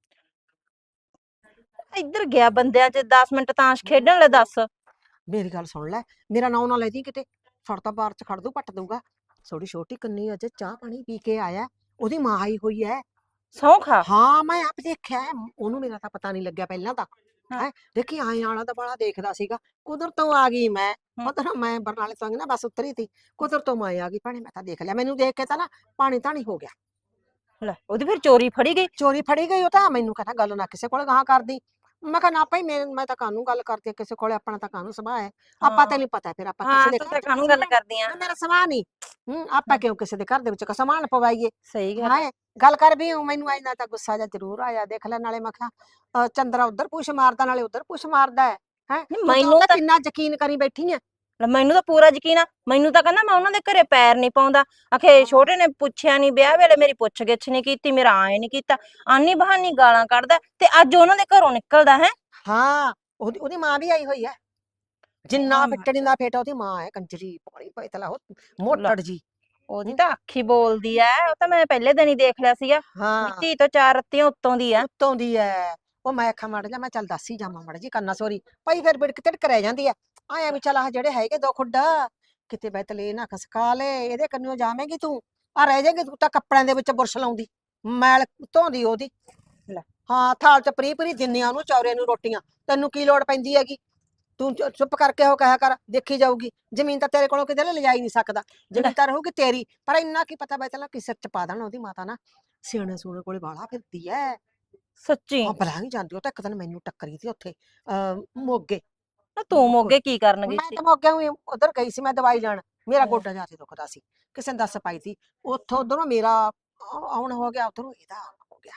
S5: ਇੱਧਰ ਗਿਆ ਬੰਦਿਆਂ 'ਚ 10 ਮਿੰਟ ਤਾਸ਼ ਖੇਡਣ ਲੈ, ਦੱਸ।
S4: ਮੇਰੀ ਗੱਲ ਸੁਣ ਲੈ, ਮੇਰਾ ਨਾਂ ਨਾ ਲੈਦੀ ਕਿਤੇ, ਫੜ ਤਾਂ ਬਾਹਰ ਚ ਖੜ ਦੂ, ਪੱਟ ਦੂਗਾ। ਥੋੜੀ ਛੋਟੀ ਕੰਨੀ ਅਜੇ ਚਾਹ ਪਾਣੀ ਪੀ ਕੇ ਆਇਆ, ਉਹਦੀ ਮਾਂ ਆਈ ਹੋਈ ਹੈ।
S5: ਸਹੁੰ ਖਾ।
S4: ਹਾਂ ਮੈਂ ਆਪ ਦੇਖਿਆ ਹੈ, ਉਹਨੂੰ ਮੇਰਾ ਤਾਂ ਪਤਾ ਨਹੀਂ ਲੱਗਿਆ ਪਹਿਲਾਂ ਤਾਂ।
S5: ਹਾਂ।
S4: ਹੈ ਦੇਖੀ ਆਏ ਆਲਾ ਦਾ ਬੜਾ ਦੇਖਦਾ ਸੀਗਾ, ਕੁਦਰਤ ਤੋਂ ਆ ਗਈ ਮੈਂ।
S5: ਹਮ।
S4: ਉਧਰ ਮੈਂ ਬਰਨਾਲੇ ਤੋਂ ਆ ਗਈ ਨਾ, ਬਸ ਉਤਰੀ ਤੀ, ਕੁਦਰਤ ਤੋਂ ਮੈਂ ਆ ਗਈ ਭੈਣੇ। ਮੈਂ ਤਾਂ ਦੇਖ ਲਿਆ, ਮੈਨੂੰ ਦੇਖ ਕੇ ਤਾਂ ਨਾ ਪਾਣੀ ਧਾਣੀ ਹੋ ਗਿਆ।
S5: ਲੈ ਉਹਦੀ ਫਿਰ ਚੋਰੀ ਫੜੀ ਗਈ।
S4: ਚੋਰੀ ਫੜੀ ਗਈ। ਉਹ ਤਾਂ ਮੈਨੂੰ ਕਹਿੰਦਾ ਗੱਲ ਨਾ ਕਿਸੇ ਕੋਲ ਗਾਹਾਂ ਕਰਦੀ। ਮੈਂ ਕਿਹਾ ਨਾ ਭਾਈ, ਮੈਂ ਤਾਂ ਕਾਹਨੂੰ ਗੱਲ ਕਰਦੀ ਹਾਂ ਕਿਸੇ ਕੋਲੇ, ਆਪਣਾ ਤਾਂ ਕਾਹਨੂੰ ਸੁਭਾਅ ਹੈ। ਆਪਾਂ
S5: ਹਾਂ।
S4: ਤੈਨੂੰ ਪਤਾ ਫਿਰ ਆਪਾਂ
S5: ਹਾਂ,
S4: ਕਿਸੇ ਦੇ
S5: ਤੂੰ
S4: ਘਰ
S5: ਤਾਂ
S4: ਚ
S5: ਕਾਹਨੂੰ ਗੱਲ ਕਰਦੀ ਆ।
S4: ਮੇਰਾ ਸੁਭਾਅ ਨਹੀਂ। ਆਪਾਂ ਕਿਉਂ ਕਿਸੇ ਦੇ ਘਰ ਦੇ ਵਿੱਚ ਸਮਾਨ ਪਵਾਈਏ?
S5: ਸਹੀ ਗੱਲ।
S4: ਹਾਂ ਗੱਲ ਕਰ ਵੀ ਮੈਨੂੰ ਇੰਨਾ ਤਾਂ ਗੁੱਸਾ ਜਿਹਾ ਜ਼ਰੂਰ ਆਇਆ। ਦੇਖ ਲੈ, ਨਾਲੇ ਮੈਂ ਕਿਹਾ ਚੰਦਰਾ ਉਧਰ ਪੁੱਛ ਮਾਰਦਾ, ਨਾਲੇ ਉਧਰ ਪੁੱਛ ਮਾਰਦਾ ਹੈ।
S5: ਨਹੀਂ
S4: ਤੂੰ ਤਾਂ
S5: ਮੈਨੂੰ
S4: ਉਹਦਾ
S5: ਤਾਂ
S4: ਕਿੰਨਾ ਯਕੀਨ ਕਰੀ ਬੈਠੀ ਆ।
S5: ਲੈ ਮੈਨੂੰ ਤਾਂ ਪੂਰਾ ਯਕੀਨ ਆ। ਮੈਨੂੰ ਤਾਂ ਕਹਿੰਦਾ ਮੈਂ ਉਹਨਾਂ ਦੇ ਘਰੇ ਪੈਰ ਨਹੀਂ ਪਾਉਂਦਾ। ਆਖੇ ਛੋਟੇ ਨੇ ਪੁੱਛਿਆ ਨਹੀਂ, ਵਿਆਹ ਵੇਲੇ ਮੇਰੀ ਪੁੱਛ ਗਿੱਛ ਨਹੀਂ ਕੀਤੀ, ਮੇਰਾ ਆਏ ਨਹੀਂ ਕੀਤਾ, ਆਨੀ ਬਹਾਨੀ ਗਾਲਾਂ ਕੱਢਦਾ ਤੇ ਅੱਜ ਉਹਨਾਂ ਦੇ ਘਰੋਂ ਨਿਕਲਦਾ ਹੈ।
S4: ਹਾਂ, ਉਹਦੀ ਮਾਂ ਵੀ ਆਈ ਹੋਈ ਹੈ। ਜਿੰਨਾ ਫਿੱਟੜੀ ਦਾ ਫੇਟਾ ਉਹਦੀ ਮਾਂ ਹੈ, ਕੰਜਰੀ ਪਾਣੀ ਪੈਤਲਾ ਮੋਟੜ ਜੀ।
S5: ਉਹਦੀ ਤਾਂ ਅੱਖੀ ਬੋਲਦੀ ਐ। ਉਹ ਤਾਂ ਮੈਂ ਪਹਿਲੇ ਦਿਨ ਹੀ ਦੇਖ ਲਿਆ ਸੀਗਾ ਵੀ
S4: ਹਾਂ
S5: ਧੀ ਤੋਂ 4 ਰੱਤੀਆਂ ਉੱਤੋਂ ਦੀ ਆ।
S4: ਉੱਤੋਂ ਦੀ ਐ। ਉਹ ਮੈਂ ਆਖਾਂ ਮੜ ਜਾ, ਮੈਂ ਚੱਲ ਦੱਸ ਹੀ ਜਾਵਾਂ ਮੜ ਜੀ ਕੰਨਾ ਸੋਰੀ ਭਾਈ, ਫਿਰ ਬਿੜਕ ਤਿੜਕ ਰਹਿ ਜਾਂਦੀ ਐ। ਆਇਆ ਵੀ ਚੱਲ ਆਹ ਜਿਹੜੇ ਹੈਗੇ ਦੋ ਖੁੱਡਾ ਕਿਤੇ ਬੈਤਲੇ ਨਾ ਖਸਕਾ ਲੈ, ਇਹਦੇ ਕੰਨਿਓ ਜਾਵੇਂਗੀ ਤੂੰ, ਆ ਰਹਿ ਜਾਏਗੀ ਤੂੰ ਤਾਂ ਕੱਪੜਿਆਂ ਦੇ ਵਿੱਚ ਬੁਰਸ਼ ਲਾਉਂਦੀ, ਮੈਲ ਧੋਂਦੀ ਉਹਦੀ।
S5: ਲੈ।
S4: ਹਾਂ, ਥਾਲ ਚ ਪਰੀ ਪਰੀ ਦਿੰਨੀਆਂ ਉਹਨੂੰ ਚੌਰੇ ਨੂੰ ਰੋਟੀਆਂ, ਤੈਨੂੰ ਕੀ ਲੋੜ ਪੈਂਦੀ ਹੈਗੀ? ਤੂੰ ਚੁੱਪ ਕਰਕੇ ਉਹ ਕਹਿਆ ਕਰ, ਦੇਖੀ ਜਾਊਗੀ। ਜ਼ਮੀਨ ਤਾਂ ਤੇਰੇ ਕੋਲੋਂ ਕਿਤੇ ਲਿਜਾਈ ਨਹੀਂ ਸਕਦਾ,
S5: ਲੈ।
S4: ਜ਼ਮੀਨ ਤਾਂ ਰਹੂਗੀ ਤੇਰੀ। ਪਰ ਇੰਨਾ ਕੀ ਪਤਾ ਬੈਤਲਾ ਕਿ ਸਿਰ ਚ ਪਾ ਦੇਣ ਉਹਦੀ ਮਾਤਾ ਨਾ ਸਿਆਣੇ ਸੂਣੇ ਕੋਲੇ ਬਾਹਲਾ ਫਿਰਦੀ ਐ।
S5: ਸੱਚੀ
S4: ਹਾਂ ਭਲਾ ਨਹੀਂ ਜਾਂਦੀ। ਉਹ ਤਾਂ ਇੱਕ ਦਿਨ ਮੈਨੂੰ ਟੱਕਰੀ ਸੀ ਉੱਥੇ ਮੋਗੇ।
S5: ਨਾ ਤੂੰ ਮੋਗੇ ਕੀ ਕਰਨ ਗਈ
S4: ਮੈਂ
S5: ਸੀ?
S4: ਤਾਂ ਮੋਗੇ ਹੋਈ ਉਧਰ ਗਈ ਸੀ, ਮੈਂ ਦਵਾਈ ਲੈਣ। ਮੇਰਾ
S5: ਹਮ।
S4: ਗੋਡਾ ਜਿਆਦਾ ਦੁਖਦਾ ਸੀ, ਕਿਸੇ ਨੇ ਦੱਸ ਪਾਈ ਸੀ। ਉੱਥੋਂ ਉਧਰੋਂ ਮੇਰਾ ਆਉਣ ਹੋ ਗਿਆ, ਉਧਰੋਂ ਇਹਦਾ ਆਉਣ ਹੋ ਗਿਆ।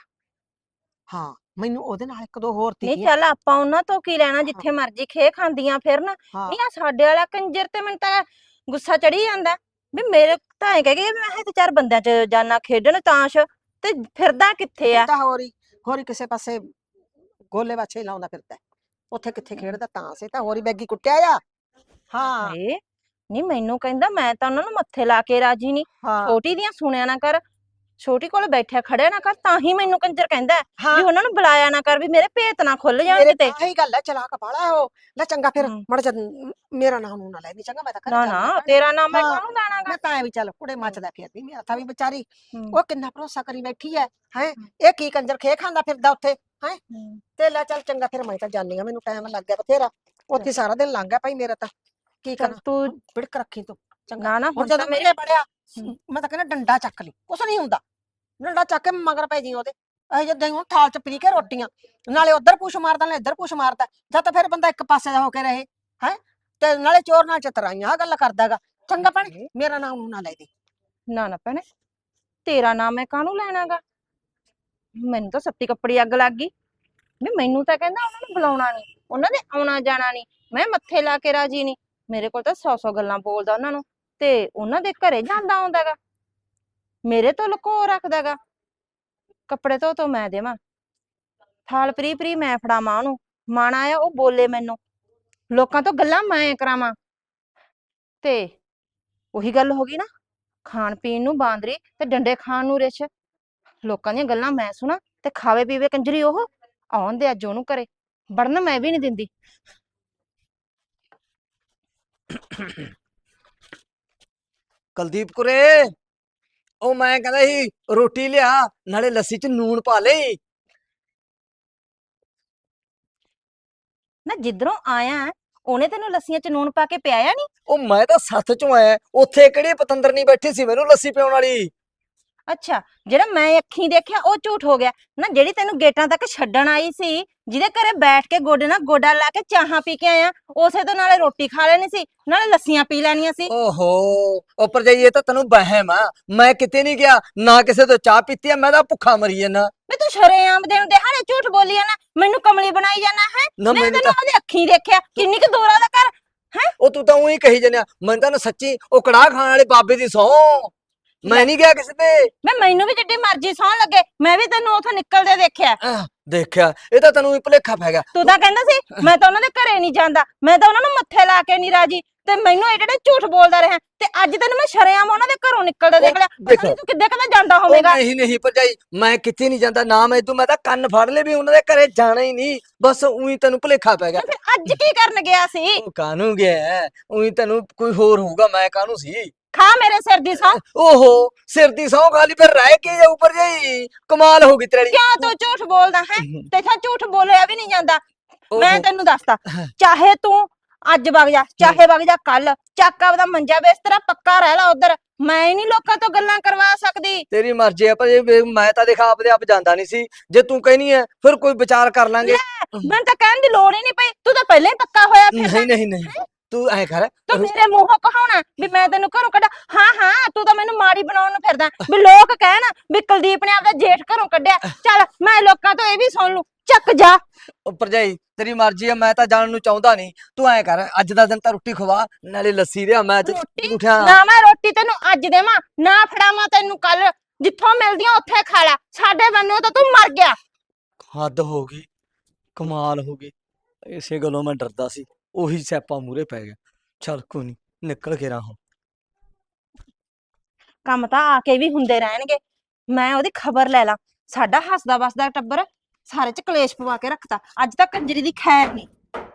S4: ਹਾਂ, ਮੈਨੂੰ ਉਹਦੇ ਨਾਲ ਇੱਕ ਦੋ ਹੋਰ
S5: ਨਹੀਂ
S4: ਤੀਆਂ।
S5: ਚੱਲ ਆਪਾਂ ਉਹਨਾਂ ਤੋਂ ਕੀ ਲੈਣਾ,
S4: ਹਾਂ
S5: ਜਿੱਥੇ ਮਰਜ਼ੀ ਖੇ ਖਾਂਦੀਆਂ ਫਿਰਨ।
S4: ਹਾਂ
S5: ਨਹੀਂ ਆ ਸਾਡੇ ਵਾਲਾ ਕੰਜਰ ਤੇ ਮੈਨੂੰ ਤਾਂ ਗੁੱਸਾ ਚੜੀ ਜਾਂਦਾ ਵੀ ਮੇਰੇ ਤਾਂ ਐ ਕਹਿ ਗਏ ਮੈਂ ਇਹ ਤੇ 4 ਬੰਦਿਆਂ ਚ ਜਾਨਾ ਖੇਡਣ ਤਾਸ਼, ਤੇ ਫਿਰਦਾ ਕਿੱਥੇ
S4: ਇਹ
S5: ਆ?
S4: ਤਾਂ ਹੋਰੀ ਕਿਸੇ ਪਾਸੇ ਗੋਲੇ ਬਾਛੇ ਲਾਉਂਦਾ ਫਿਰਦਾ ਹੈ। ਉੱਥੇ ਕਿੱਥੇ ਖੇਡਦਾ ਤਾਂ ਸੇ ਤਾਂ ਹੋਰੀ ਬੈਗੀ ਕੁੱਟਿਆ ਆ। ਹਾਂ
S5: ਹਾਏ ਨਹੀਂ, ਮੈਨੂੰ ਕਹਿੰਦਾ ਮੈਂ ਤਾਂ ਉਹਨਾਂ ਨੂੰ ਮੱਥੇ ਲਾ ਕੇ ਰਾਜੀ ਨਹੀਂ।
S4: ਹਾਂ
S5: ਛੋਟੀ ਦੀਆਂ ਸੁਣਿਆ ਨਾ ਕਰ, ਛੋਟੀ ਕੋਲ ਬੈਠਿਆ ਖੜਿਆ ਨਾ ਕਰ, ਤਾਂ ਹੀ ਮੈਨੂੰ ਕੰਜਰ ਕਹਿੰਦਾ ਹੈ
S4: ਹਾਂ
S5: ਵੀ ਉਹਨਾਂ ਨੂੰ ਬੁਲਾਇਆ ਨਾ ਕਰ, ਵੀ ਮੇਰੇ ਭੇਤ ਨਾ ਖੁੱਲ ਜਾਣ
S4: ਮੇਰੇ
S5: ਕਿਤੇ।
S4: ਆਹੀ ਗੱਲ ਹੈ, ਚਲਾਕ ਬਾਲਾ ਉਹ। ਲੈ ਚੰਗਾ ਫਿਰ
S5: ਹਮ।
S4: ਮੜ ਜਾ, ਮੇਰਾ ਨਾਮ ਨੂੰ ਨਾ ਲੈ ਵੀ ਚੰਗਾ, ਮੈਂ ਤਾਂ ਘਰੇ
S5: ਨਾ
S4: ਚੱਲਦੀ
S5: ਨਾ,
S4: ਆਂ ਭੈਣੇ।
S5: ਤੇਰਾ ਨਾਮ ਮੈਂ
S4: ਹਾਂ
S5: ਕਾਹਨੂੰ ਲੈਣਾਗਾ।
S4: ਮੈਂ ਤਾਂ ਐ ਵੀ ਚੱਲ ਕੁੜੇ ਮੱਚਦਾ ਫਿਰ ਵੀ, ਮੇਰਾ ਤਾਂ ਵੀ ਵਿਚਾਰੀ
S5: ਹਮ।
S4: ਉਹ ਕਿੰਨਾ ਭਰੋਸਾ ਕਰੀ ਬੈਠੀ ਐ। ਹੈ ਇਹ ਕੀ ਕੰਜਰ ਖੇ ਖਾਂਦਾ ਫਿਰਦਾ ਉੱਥੇ ਹੈ। ਤੇ ਲੈ ਚੱਲ ਚੰਗਾ ਫਿਰ, ਮੈਂ ਤਾਂ ਜਾਣੀ ਆ, ਮੈਨੂੰ ਟਾਈਮ ਲੱਗ ਗਿਆ ਬਥੇਰਾ, ਉੱਥੇ ਸਾਰਾ ਦਿਨ ਲੰਘ ਗਿਆ ਭਾਈ ਮੇਰਾ ਤਾਂ। ਕੀ
S5: ਚੱਲ
S4: ਕਰਾਂ?
S5: ਤੂੰ
S4: ਹੁਣ ਬਿੜਕ ਰੱਖੀ ਤੂੰ ਚੰਗਾ।
S5: ਨਾ ਨਾ,
S4: ਹੁਣ
S5: ਹੁਣ ਤਾਂ
S4: ਜਦੋਂ
S5: ਮੇਰੀ
S4: ਮੇਰੇ ਬੜਿਆ,
S5: ਹਮ।
S4: ਮੈਂ ਤਾਂ ਕਹਿੰਦਾ ਡੰਡਾ ਚੱਕ ਲਈ, ਕੁਛ ਨਹੀਂ ਹੁੰਦਾ। ਡੰਡਾ ਚੱਕ ਕੇ ਮਗਰ ਪੈ ਜੀ ਉਹਦੇ। ਇਹ ਜਿੱਦਾਂ ਹੁਣ ਥਾਲ ਚ ਪੀ ਕੇ ਰੋਟੀਆਂ, ਨਾਲੇ ਉਧਰ ਪੁੱਛ ਮਾਰਦਾ ਨਾਲੇ ਇੱਧਰ ਪੁੱਛ ਮਾਰਦਾ, ਜਾਂ ਤਾਂ ਫਿਰ ਬੰਦਾ ਇੱਕ ਪਾਸੇ ਦਾ ਹੋ ਕੇ ਰਹੇ। ਹੈ ਤੇ ਨਾਲੇ ਚੋਰ ਨਾਲ ਚਤਰਾਈਆਂ ਆਹ ਗੱਲ ਕਰਦਾਗਾ। ਚੰਗਾ ਭੈਣੇ, ਮੇਰਾ ਨਾਮ ਨਾ ਲੈ ਦੇ।
S5: ਨਾ ਨਾ ਭੈਣੇ, ਤੇਰਾ ਨਾਮ ਮੈਂ ਕਾਹਨੂੰ ਲੈਣਾਗਾ। ਮੈਨੂੰ ਤਾਂ ਸੱਤੀ ਕੱਪੜੀ ਅੱਗ ਲੱਗ ਗਈ ਵੀ ਮੈਨੂੰ ਤਾਂ ਕਹਿੰਦਾ ਉਹਨਾਂ ਨੂੰ ਬੁਲਾਉਣਾ ਨਹੀਂ, ਉਹਨਾਂ ਦੇ ਆਉਣਾ ਜਾਣਾ ਨਹੀਂ, ਮੈਂ ਮੱਥੇ ਲਾ ਕੇ ਰਾਜੀ ਨਹੀਂ। ਮੇਰੇ ਕੋਲ ਤਾਂ 100 ਗੱਲਾਂ ਬੋਲਦਾ ਉਹਨਾਂ ਨੂੰ, ਤੇ ਉਹਨਾਂ ਦੇ ਘਰੇ ਜਾਂਦਾ ਆਉਂਦਾਗਾ, ਮੇਰੇ ਤੋਂ ਲੁਕੋ ਰੱਖਦਾਗਾ। ਕੱਪੜੇ ਧੋ ਮੈਂ ਦੇਵਾਂ, ਥਾਲ ਪਰੀ ਪਰੀ ਮੈਂ ਫੜਾਵਾਂ ਉਹਨੂੰ, ਮਾਣ ਆਇਆ ਉਹ ਬੋਲੇ ਮੈਨੂੰ, ਲੋਕਾਂ ਤੋਂ ਗੱਲਾਂ ਮੈਂ ਕਰਾਵਾਂ। ਤੇ ਉਹੀ ਗੱਲ ਹੋ ਗਈ ਨਾ, ਖਾਣ ਪੀਣ ਨੂੰ ਬਾਂਦਰੀ ਤੇ ਡੰਡੇ ਖਾਣ ਨੂੰ ਰਿਛ। ਲੋਕਾਂ ਦੀਆਂ ਗੱਲਾਂ ਮੈਂ ਸੁਣਾ ਤੇ ਖਾਵੇ ਪੀਵੇ ਕੰਜਰੀ ਉਹ। ਆਉਣ ਦੇ ਅੱਜ ਉਹਨੂੰ ਘਰੇ, ਵੜਨ ਮੈਂ ਵੀ ਨਹੀਂ ਦਿੰਦੀ।
S2: ਕੁਲਦੀਪ ਕੁਰੇ, ਉਹ ਮੈਂ ਕਹਿੰਦਾ ਸੀ ਰੋਟੀ ਲਿਆ, ਨਾਲੇ ਲੱਸੀ ਚ ਨੂਣ ਪਾ ਲਈ।
S5: ਨਾ ਜਿੱਧਰੋਂ ਆਇਆ ਹੈ, ਉਹਨੇ ਤੈਨੂੰ ਲੱਸੀਆਂ ਚ ਨੂਣ ਪਾ ਕੇ ਪਿਆਇਆ ਨਹੀਂ?
S2: ਉਹ ਮੈਂ ਤਾਂ ਸੱਥ ਚੋਂ ਆਇਆ, ਉੱਥੇ ਕਿਹੜੀ ਪਤੰਦਰ ਨਹੀਂ ਬੈਠੀ ਸੀ ਮੈਨੂੰ ਲੱਸੀ ਪਿਆਉਣ ਵਾਲੀ।
S5: ਅੱਛਾ, ਜਿਹੜਾ ਮੈਂ ਅੱਖੀਂ ਦੇਖਿਆ ਉਹ ਝੂਠ ਹੋ ਗਿਆ ਨਾ। ਜਿਹੜੀ ਤੈਨੂੰ ਗੇਟਾਂ ਤੱਕ ਛੱਡਣ ਆਈ ਸੀ, ਜਿਹਦੇ ਘਰੇ ਬੈਠ ਕੇ ਗੋਡੇ ਨਾਲ ਗੋਡਾ ਲਾ ਕੇ ਚਾਹਾਂ ਪੀ ਕੇ ਆਇਆ, ਉਸੇ ਤੋਂ ਨਾਲੇ ਰੋਟੀ ਖਾ ਲੈਣੀ ਸੀ ਨਾਲੇ ਲੱਸੀਆਂ ਪੀ ਲੈਣੀਆਂ ਸੀ।
S2: ਓਹੋ, ਉੱਪਰ ਜਾਈਏ ਤਾਂ ਤੈਨੂੰ ਵਹਿਮ ਆ, ਮੈਂ ਕਿਤੇ ਨਹੀਂ ਗਿਆ, ਨਾ ਕਿਸੇ ਤੋਂ ਚਾਹ ਪੀਤੀ ਆ, ਮੈਂ ਤਾਂ ਭੁੱਖਾ ਮਰੀ ਜਾਂਦਾ।
S5: ਵੀ ਤੂੰ ਸ਼ਰੇਆਮ ਦੇ ਨੂੰ ਦਿਹਾੜੇ ਝੂਠ ਬੋਲੀ ਜਾਣਾ, ਮੈਨੂੰ ਕਮਲੀ ਬਣਾਈ ਜਾਣਾ ਹੈ।
S2: ਨਾ
S5: ਮੈਂ
S2: ਮੈਨੂੰ
S5: ਤੈਨੂੰ ਉਹਦੀ ਅੱਖੀਂ ਦੇਖਿਆ, ਕਿੰਨੀ ਕੁ ਦੂਰ ਆ ਉਹਦਾ ਘਰ ਹੈ।
S2: ਉਹ ਤੂੰ ਤਾਂ ਉਹੀ ਕਹੀ ਜੰਨਿਆ, ਮੈਨੂੰ ਤਾਂ ਨਾ ਸੱਚੀ ਉਹ ਕੜਾਹ ਖਾਣ ਵਾਲੇ ਬਾਬੇ ਦੀ ਸਹੁੰ, ਮੈਂ ਨਹੀਂ ਗਿਆ ਕਿਸੇ ਤੇ।
S5: ਮੈਨੂੰ ਵੀ ਜਿੱਡੀ ਮਰਜ਼ੀ ਸੌਣ ਲੱਗੇ, ਮੈਂ ਵੀ ਤੈਨੂੰ ਉਥੋਂ ਨਿਕਲਦੇ ਦੇਖਿਆ।
S2: ਦੇਖਿਆ, ਇਹ ਤਾਂ ਤੈਨੂੰ ਹੀ ਭੁਲੇਖਾ ਪੈ ਗਿਆ।
S5: ਤੂੰ ਤਾਂ ਕਹਿੰਦਾ ਸੀ ਮੈਂ ਤਾਂ ਉਹਨਾਂ ਦੇ ਘਰੇ ਨਹੀਂ ਜਾਂਦਾ, ਮੈਂ ਤਾਂ ਉਹਨਾਂ ਨੂੰ ਮੱਥੇ ਲਾ ਕੇ ਨਹੀਂ ਰਾਜੀ, ਤੇ ਮੈਨੂੰ ਇਹ ਜਿਹੜੇ ਝੂਠ ਬੋਲਦਾ ਰਿਹਾ, ਤੇ ਅੱਜ ਤੈਨੂੰ ਮੈਂ ਸ਼ਰੇਆਮ ਉਹਨਾਂ ਦੇ ਘਰੋਂ ਨਿਕਲਦੇ ਦੇਖ ਲਿਆ। ਪਤਾ ਨੀ ਤੂੰ ਕਿੱਦਾਂ ਕਦੇ ਜਾਂਦਾ ਹੋਵੇਗਾ।
S2: ਨਹੀਂ ਭਰਜਾਈ, ਮੈਂ ਕਿਤੇ ਨਹੀਂ ਜਾਂਦਾ ਨਾ, ਮੈਂ ਤਾਂ ਕੰਨ ਫੜ ਲਏ ਵੀ ਉਹਨਾਂ ਦੇ ਘਰੇ ਜਾਣਾ ਹੀ ਨਹੀਂ, ਬਸ ਉਹੀ ਤੈਨੂੰ ਭੁਲੇਖਾ ਪੈ ਗਿਆ।
S5: ਫਿਰ ਅੱਜ ਕੀ ਕਰਨ ਗਿਆ ਸੀ?
S2: ਉਹ ਕਾਹਨੂੰ ਗਿਆ, ਉਹੀ ਤੈਨੂੰ ਕੋਈ ਹੋਰ ਹੋਊਗਾ, ਮੈਂ ਕਾਹਨੂੰ ਸੀ।
S5: ਖਾ ਮੇਰੇ ਸਿਰ ਦੀ ਸਹੁੰ।
S2: ਓਹੋ, ਸਿਰ ਦੀ ਸਹੁੰ ਖਾ ਲਈ, ਫਿਰ ਰਹਿ ਕੇ ਜਾਊ ਭਰਜਾਈ, ਕਮਾਲ ਹੋ ਗਈ ਤੇਰੀ।
S5: ਕਿਉਂ ਤੂੰ ਝੂਠ ਬੋਲਦਾ ਹੈ? ਤੇਥੋਂ ਝੂਠ ਬੋਲਿਆ ਵੀ ਨਹੀਂ ਜਾਂਦਾ। ਮੈਂ
S2: ਓਹੋ।
S5: ਤੈਨੂੰ ਦੱਸਦਾ, ਚਾਹੇ ਤੂੰ ਅੱਜ ਵਗ ਜਾ, ਚਾਹੇ ਵਗ ਜਾ ਕੱਲ, ਚੱਕ ਆਪਦਾ ਮੰਜਾ ਬਿਸਤਰਾ ਪੱਕਾ ਰਹਿ ਲਾ ਉਧਰ। ਮੈਂ ਨਹੀਂ ਲੋਕਾਂ ਤੋਂ ਗੱਲਾਂ ਕਰਵਾ ਸਕਦੀ।
S2: ਤੇਰੀ ਮਰਜ਼ੀ ਹੈ ਪਰ ਮੈਂ ਤਾਂ ਦੇਖ ਆਪਦੇ ਆਪ ਜਾਂਦਾ ਨਹੀਂ ਸੀ, ਜੇ ਤੂੰ ਕਹਿਨੀ ਹੈ ਫਿਰ ਕੋਈ ਵਿਚਾਰ ਕਰ ਲਾਂਗੇ।
S5: ਮੈਨੂੰ ਤਾਂ ਕਹਿਣ ਦੀ ਲੋੜ ਹੀ ਨਹੀਂ ਪਈ, ਤੂੰ ਤਾਂ ਪਹਿਲਾਂ ਹੀ ਪੱਕਾ ਹੋਇਆ ਫਿਰਦਾ।
S2: ਨਹੀਂ ਤੂੰ ਐ ਕਰ,
S5: ਤੂੰ ਮੇਰੇ ਮੂੰਹੋਂ ਕਹਾਉਣਾ ਵੀ ਮੈਂ ਤੈਨੂੰ ਘਰੋਂ ਕੱਢਾ। ਹਾਂ ਤੂੰ ਤਾਂ ਮੈਨੂੰ ਮਾੜੀ ਬਣਾਉਣ ਨੂੰ ਫਿਰਦਾ, ਵੀ ਲੋਕ ਕਹਿਣ ਵੀ ਕੁਲਦੀਪ ਨੇ ਆਪਦਾ ਜੇਠ ਘਰੋਂ ਕੱਢਿਆ। ਚੱਲ ਮੈਂ ਲੋਕਾਂ ਤੋਂ ਇਹ ਵੀ ਸੁਣ ਲੂ, ਚੱਕ ਜਾ।
S2: ਉਹ ਭਰਜਾਈ ਤੇਰੀ ਮਰਜ਼ੀ ਹੈ, ਮੈਂ ਤਾਂ ਜਾਣ ਨੂੰ ਚਾਹੁੰਦਾ ਨਹੀਂ। ਤੂੰ ਐ ਕਰ, ਅੱਜ ਦਾ ਦਿਨ ਤਾਂ ਰੋਟੀ ਖਵਾ, ਨਾਲੇ ਲੱਸੀ ਲਿਆ, ਮੈਂ ਅੱਜ
S5: ਰੋਟੀ
S2: ਉਠਿਆ।
S5: ਨਾ, ਮੈਂ ਰੋਟੀ ਤੈਨੂੰ ਅੱਜ ਦੇਵਾਂ ਨਾ ਫੜਾਵਾਂ ਤੈਨੂੰ ਕੱਲ, ਜਿੱਥੋਂ ਮਿਲਦੀਆਂ ਉੱਥੇ ਖਾ ਲੈ। ਸਾਡੇ ਬੰਨੋਂ ਤਾਂ ਤੂੰ ਮਰ ਗਿਆ।
S2: ਹੱਦ ਹੋ ਗਈ, ਕਮਾਲ ਹੋ ਗਈ, ਇਸੇ ਗੱਲੋਂ ਮੈਂ ਡਰਦਾ ਸੀ, ਉਹੀ ਸਿਆਪਾ ਮੂਰੇ ਪੈ ਗਿਆ। ਚੱਲ ਕੋਈ ਨਹੀਂ, ਨਿਕਲ ਕੇ ਰਾਹੋਂ।
S5: ਕੰਮ ਤਾਂ ਆ ਕੇ ਵੀ ਹੁੰਦੇ ਰਹਿਣਗੇ, ਮੈਂ ਉਹਦੀ ਖਬਰ ਲੈ ਲਾਂ। ਸਾਡਾ ਹੱਸਦਾ ਵਸਦਾ ਟੱਬਰ ਸਾਰੇ ਚ ਕਲੇਸ਼ ਪਵਾ ਕੇ ਰੱਖਤਾ। ਅੱਜ ਤਾਂ ਕੰਜਰੀ ਦੀ ਖੈਰ ਨਹੀਂ,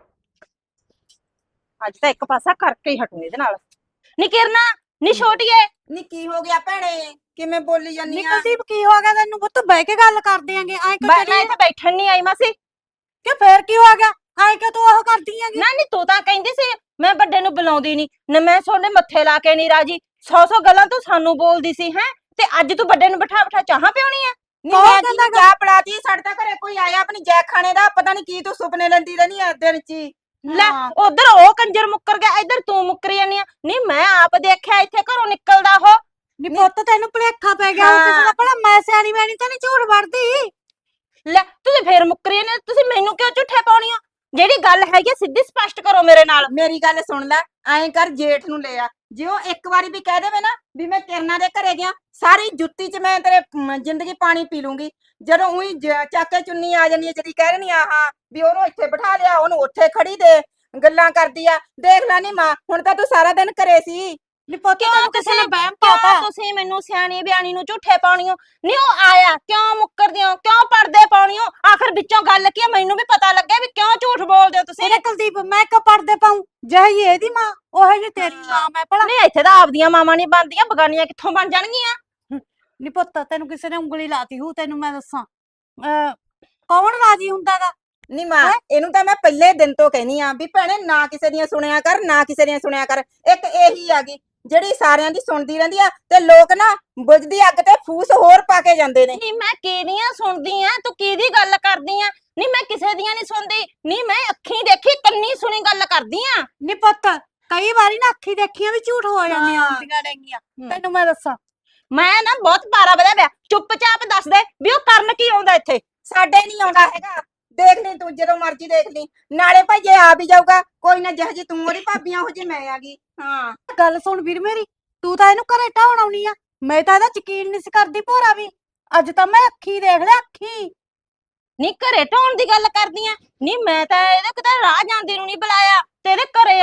S5: ਅੱਜ ਤਾਂ ਇੱਕ ਪਾਸਾ ਕਰਕੇ ਹੀ ਹਟੂ ਇਹਦੇ ਨਾਲ। ਨੀ ਕਿਰਨਾ, ਨੀ ਛੋਟੀਏ,
S3: ਨੀ ਕੀ ਹੋ ਗਿਆ ਭੈਣੇ, ਕਿਵੇਂ ਬੋਲੀ ਜਾਨੀ ਆ?
S1: ਨਿਕਲਦੀਪ ਕੀ ਹੋ ਗਿਆ ਤੈਨੂੰ? ਪੁੱਤ ਬਹਿ ਕੇ ਗੱਲ ਕਰਦੇ ਆਂਗੇ, ਐ ਕਿਉਂ
S5: ਮੈਂ
S1: ਕਰੀ
S5: ਇੱਥੇ ਬੈਠਣ ਨਹੀਂ ਆਈ ਮਾਸੀ।
S1: ਕਿ ਫੇਰ ਕੀ ਹੋ ਗਿਆ? ਐ ਕਿ ਤੂੰ ਉਹ ਕਰਦੀ ਆਂਗੀ?
S5: ਨਾ ਨੀ ਤੂੰ ਤਾਂ ਕਹਿੰਦੀ ਸੀ ਮੈਂ ਵੱਡੇ ਨੂੰ ਬੁਲਾਉਂਦੀ ਨਹੀਂ ਨਾ, ਮੈਂ ਤੁਹਾਡੇ ਮੱਥੇ ਲਾ ਕੇ ਨਹੀਂ ਰਾਜੀ। 100 ਗੱਲਾਂ ਤੂੰ ਸਾਨੂੰ ਬੋਲਦੀ ਸੀ ਹੈ, ਤੇ ਅੱਜ ਤੂੰ ਵੱਡੇ ਨੂੰ ਬਿਠਾ ਬਿਠਾ ਚਾਹਾਂ ਪਿਉਣੀ ਆ।
S3: ਨੀ ਮੈਂ ਕੀ ਚਾਹ ਪੜਾਤੀ, ਸਾਡੇ ਤਾਂ ਘਰੇ ਕੋਈ ਆਇਆ ਆਪਣੀ ਜੈ ਖਾਣੇ ਦਾ, ਪਤਾ ਨਹੀਂ ਕੀ ਤੂੰ ਸੁਪਨੇ ਲੈਂਦੀ ਰਹਿਨੀ ਆ ਦਿਨ ਚ ਹੀ।
S5: ਲੈ ਉਧਰ ਉਹ ਕੰਜਰ ਮੁੱਕਰ ਗਿਆ, ਇੱਧਰ ਤੂੰ ਮੁੱਕਰੀ ਜਾਨੀ ਆ। ਨਹੀਂ ਮੈਂ ਆਪ ਦੇਖਿਆ ਇੱਥੇ ਘਰੋਂ ਨਿਕਲਦਾ ਉਹ।
S1: ਨੀ ਪੁੱਤ ਤੈਨੂੰ ਭੁਲੇਖਾ ਪੈ ਗਿਆ ਕਿਸੇ ਦਾ, ਭਲਾ ਮੈਂ ਸਿਆਣੀ ਬੈਣੀ ਤਾਂ ਨਹੀਂ ਝੂਠ ਵੜਦੀ।
S5: ਲੈ ਤੁਸੀਂ ਫੇਰ ਮੁੱਕਰੀ ਜਾਨੇ, ਤੁਸੀਂ ਮੈਨੂੰ ਕਿਉਂ ਝੂਠੇ ਪਾਉਣੀ ਆ? ਜਿਹੜੀ ਗੱਲ ਹੈਗੀ ਆ, ਸਿੱਧੀ ਸਪਸ਼ਟ ਕਰੋ ਮੇਰੇ ਨਾਲ।
S3: ਮੇਰੀ ਗੱਲ ਸੁਣ ਲੈ, ਐਂ ਕਰ ਜੇਠ ਨੂੰ ਲੈ ਆ। ਜੇ ਉਹ ਇੱਕ ਵਾਰੀ ਵੀ ਕਹਿ ਦੇਵੇ ਨਾ ਵੀ ਮੈਂ ਕਿਰਨਾਂ ਦੇ ਘਰੇ ਗਿਆ, ਸਾਰੀ ਜੁੱਤੀ 'ਚ ਮੈਂ ਤੇਰੇ ਜ਼ਿੰਦਗੀ ਪਾਣੀ ਪੀ ਲੂੰਗੀ। ਜਦੋਂ ਉਹੀ ਚੱਕ ਕੇ ਚੁੰਨੀ ਆ ਜਾਂਦੀ ਹੈ, ਜਦੀ ਕਹਿ ਰਹੀ ਆ ਹਾਂ ਵੀ ਉਹਨੂੰ ਇੱਥੇ ਬਿਠਾ ਲਿਆ, ਉਹਨੂੰ ਉੱਥੇ ਖੜੀ ਦੇ, ਗੱਲਾਂ ਕਰਦੀ ਆ। ਦੇਖ ਲੈ ਨੀ ਮਾਂ, ਹੁਣ ਤਾਂ ਤੂੰ ਸਾਰਾ ਦਿਨ ਘਰੇ ਸੀ।
S1: ਨੀ ਪੁੱਤ
S5: ਕਿਉਂ
S1: ਤੈਨੂੰ ਕਿਸੇ ਨੇ ਵਹਿਮ
S5: ਕਿਉਂ
S1: ਪਾਤਾ?
S5: ਤੁਸੀਂ ਮੈਨੂੰ ਸਿਆਣੀ ਬਿਆਣੀ ਨੂੰ ਝੂਠੇ ਪਾਉਣੀਓ? ਨਹੀਂ ਉਹ ਆਇਆ ਕਿਉਂ ਮੁੱਕਰਦੇ ਹੋ, ਕਿਉਂ ਪੜਦੇ ਪਾਉਣੀਓ? ਆਖਰ ਵਿੱਚੋਂ ਗੱਲ ਕੀ ਆ, ਮੈਨੂੰ ਵੀ ਪਤਾ ਲੱਗਿਆ ਵੀ ਕਿਉਂ ਝੂਠ ਬੋਲਦੇ ਹੋ ਤੁਸੀਂ।
S1: ਇਹਨੇ ਕੁਲਦੀਪ ਮੈਂ ਕਿਉਂ ਪੜਦੇ ਪਾਉਂ? ਜਿਹੀ ਇਹਦੀ ਮਾਂ ਉਹ ਜਿਹੀ ਤੇਰੀ ਮਾਂ ਮੈਂ ਭਲਾ।
S5: ਨਹੀਂ ਇੱਥੇ ਤਾਂ ਆਪਦੀਆਂ ਮਾਵਾਂ ਨਹੀਂ ਬਣਦੀਆਂ, ਬਗਾਨੀਆਂ ਕਿੱਥੋਂ ਬਣ ਜਾਣਗੀਆਂ?
S1: ਨੀ ਪੁੱਤ ਤੈਨੂੰ ਕਿਸੇ ਨੇ ਉਂਗਲੀ ਲਾਤੀ ਹੂ, ਤੈਨੂੰ ਮੈਂ ਦੱਸਾਂ। ਕੌਣ ਰਾਜੀ ਹੁੰਦਾਗਾ?
S3: ਨੀ ਮਾਂ, ਇਹਨੂੰ ਤਾਂ ਮੈਂ ਪਹਿਲੇ ਦਿਨ ਤੋਂ ਕਹਿਨੀ ਆ ਵੀ ਭੈਣੇ ਨਾ ਕਿਸੇ ਦੀਆਂ ਸੁਣਿਆ ਕਰ, ਨਾ ਕਿਸੇ ਦੀਆਂ ਸੁਣਿਆ ਕਰ। ਇੱਕ ਇਹੀ ਆ ਗਈ ਜਿਹੜੀ ਸਾਰਿਆਂ ਦੀ ਸੁਣਦੀ ਰਹਿੰਦੀ ਆ, ਤੇ ਲੋਕ ਨਾ ਬੁਝਦੀ ਅੱਗ ਤੇ ਫੂਸ ਹੋਰ ਪਾ ਕੇ ਜਾਂਦੇ ਨੇ।
S5: ਨਹੀਂ ਮੈਂ ਕਿਹਦੀਆਂ ਸੁਣਦੀ ਆ, ਤੂੰ ਕਿਹਦੀ ਗੱਲ ਕਰਦੀ ਆ? ਨਹੀਂ ਮੈਂ ਕਿਸੇ ਦੀਆਂ ਨਹੀਂ ਸੁਣਦੀ, ਨਹੀਂ ਮੈਂ ਅੱਖੀਂ ਦੇਖੀ ਕੰਨੀ ਸੁਣੀ ਗੱਲ ਕਰਦੀ ਆ।
S1: ਨੀ ਪੁੱਤ ਕਈ ਵਾਰੀ ਨਾ ਅੱਖੀ ਦੇਖੀਆਂ ਵੀ ਝੂਠ ਹੋ ਜਾਂਦੀਆਂ ਹੁੰਦੀਆਂ ਨੇਗੀਆਂ, ਤੈਨੂੰ ਮੈਂ ਦੱਸਾਂ।
S5: ਮੈਂ ਨਾ ਬਹੁਤ ਪਾਰਾ ਵਧਿਆ ਪਿਆ, ਚੁੱਪਚਾਪ ਦੱਸ ਦੇ ਵੀ ਉਹ ਕਰਨ ਕੀ ਆਉਂਦਾ ਇੱਥੇ।
S3: ਸਾਡੇ ਨਹੀਂ ਆਉਂਦਾ ਹੈਗਾ, ਦੇਖ ਲਈ ਤੂੰ ਜਦੋਂ ਮਰਜ਼ੀ ਦੇਖ ਲਈ। ਨਾਲੇ ਭਾਈ ਜੇ ਆ ਵੀ ਜਾਊਗਾ ਕੋਈ ਨਾ, ਜਿਹੋ ਜੀ ਤੂੰ ਉਹਦੀ ਭਾਬੀਆਂ ਉਹ ਜੀ ਮੈਂ ਆ ਗਈ। ਹਾਂ
S1: ਗੱਲ ਸੁਣ ਵੀਰ ਮੇਰੀ, ਤੂੰ ਤਾਂ ਇਹਨੂੰ ਘਰੇ ਢਾਉਣ ਆਉਣੀ ਆ, ਮੈਂ ਤਾਂ ਇਹਦਾ ਯਕੀਨ ਨਹੀਂ ਸੀ ਕਰਦੀ ਭੋਰਾ ਵੀ। ਅੱਜ ਤਾਂ ਮੈਂ ਅੱਖੀ ਦੇਖ ਲਿਆ, ਅੱਖੀ।
S5: ਨਹੀਂ ਘਰੇ ਢਾਉਣ ਦੀ ਗੱਲ ਕਰਦੀ ਆ? ਨਹੀਂ ਮੈਂ ਤਾਂ ਇਹਦੇ ਕਿਤੇ ਰਾਹ ਜਾਂਦੀ ਨੂੰ ਨਹੀਂ ਬੁਲਾਇਆ, ਤੇ ਇਹਦੇ ਘਰੇ ਆਉਣਾ ਤਾਂ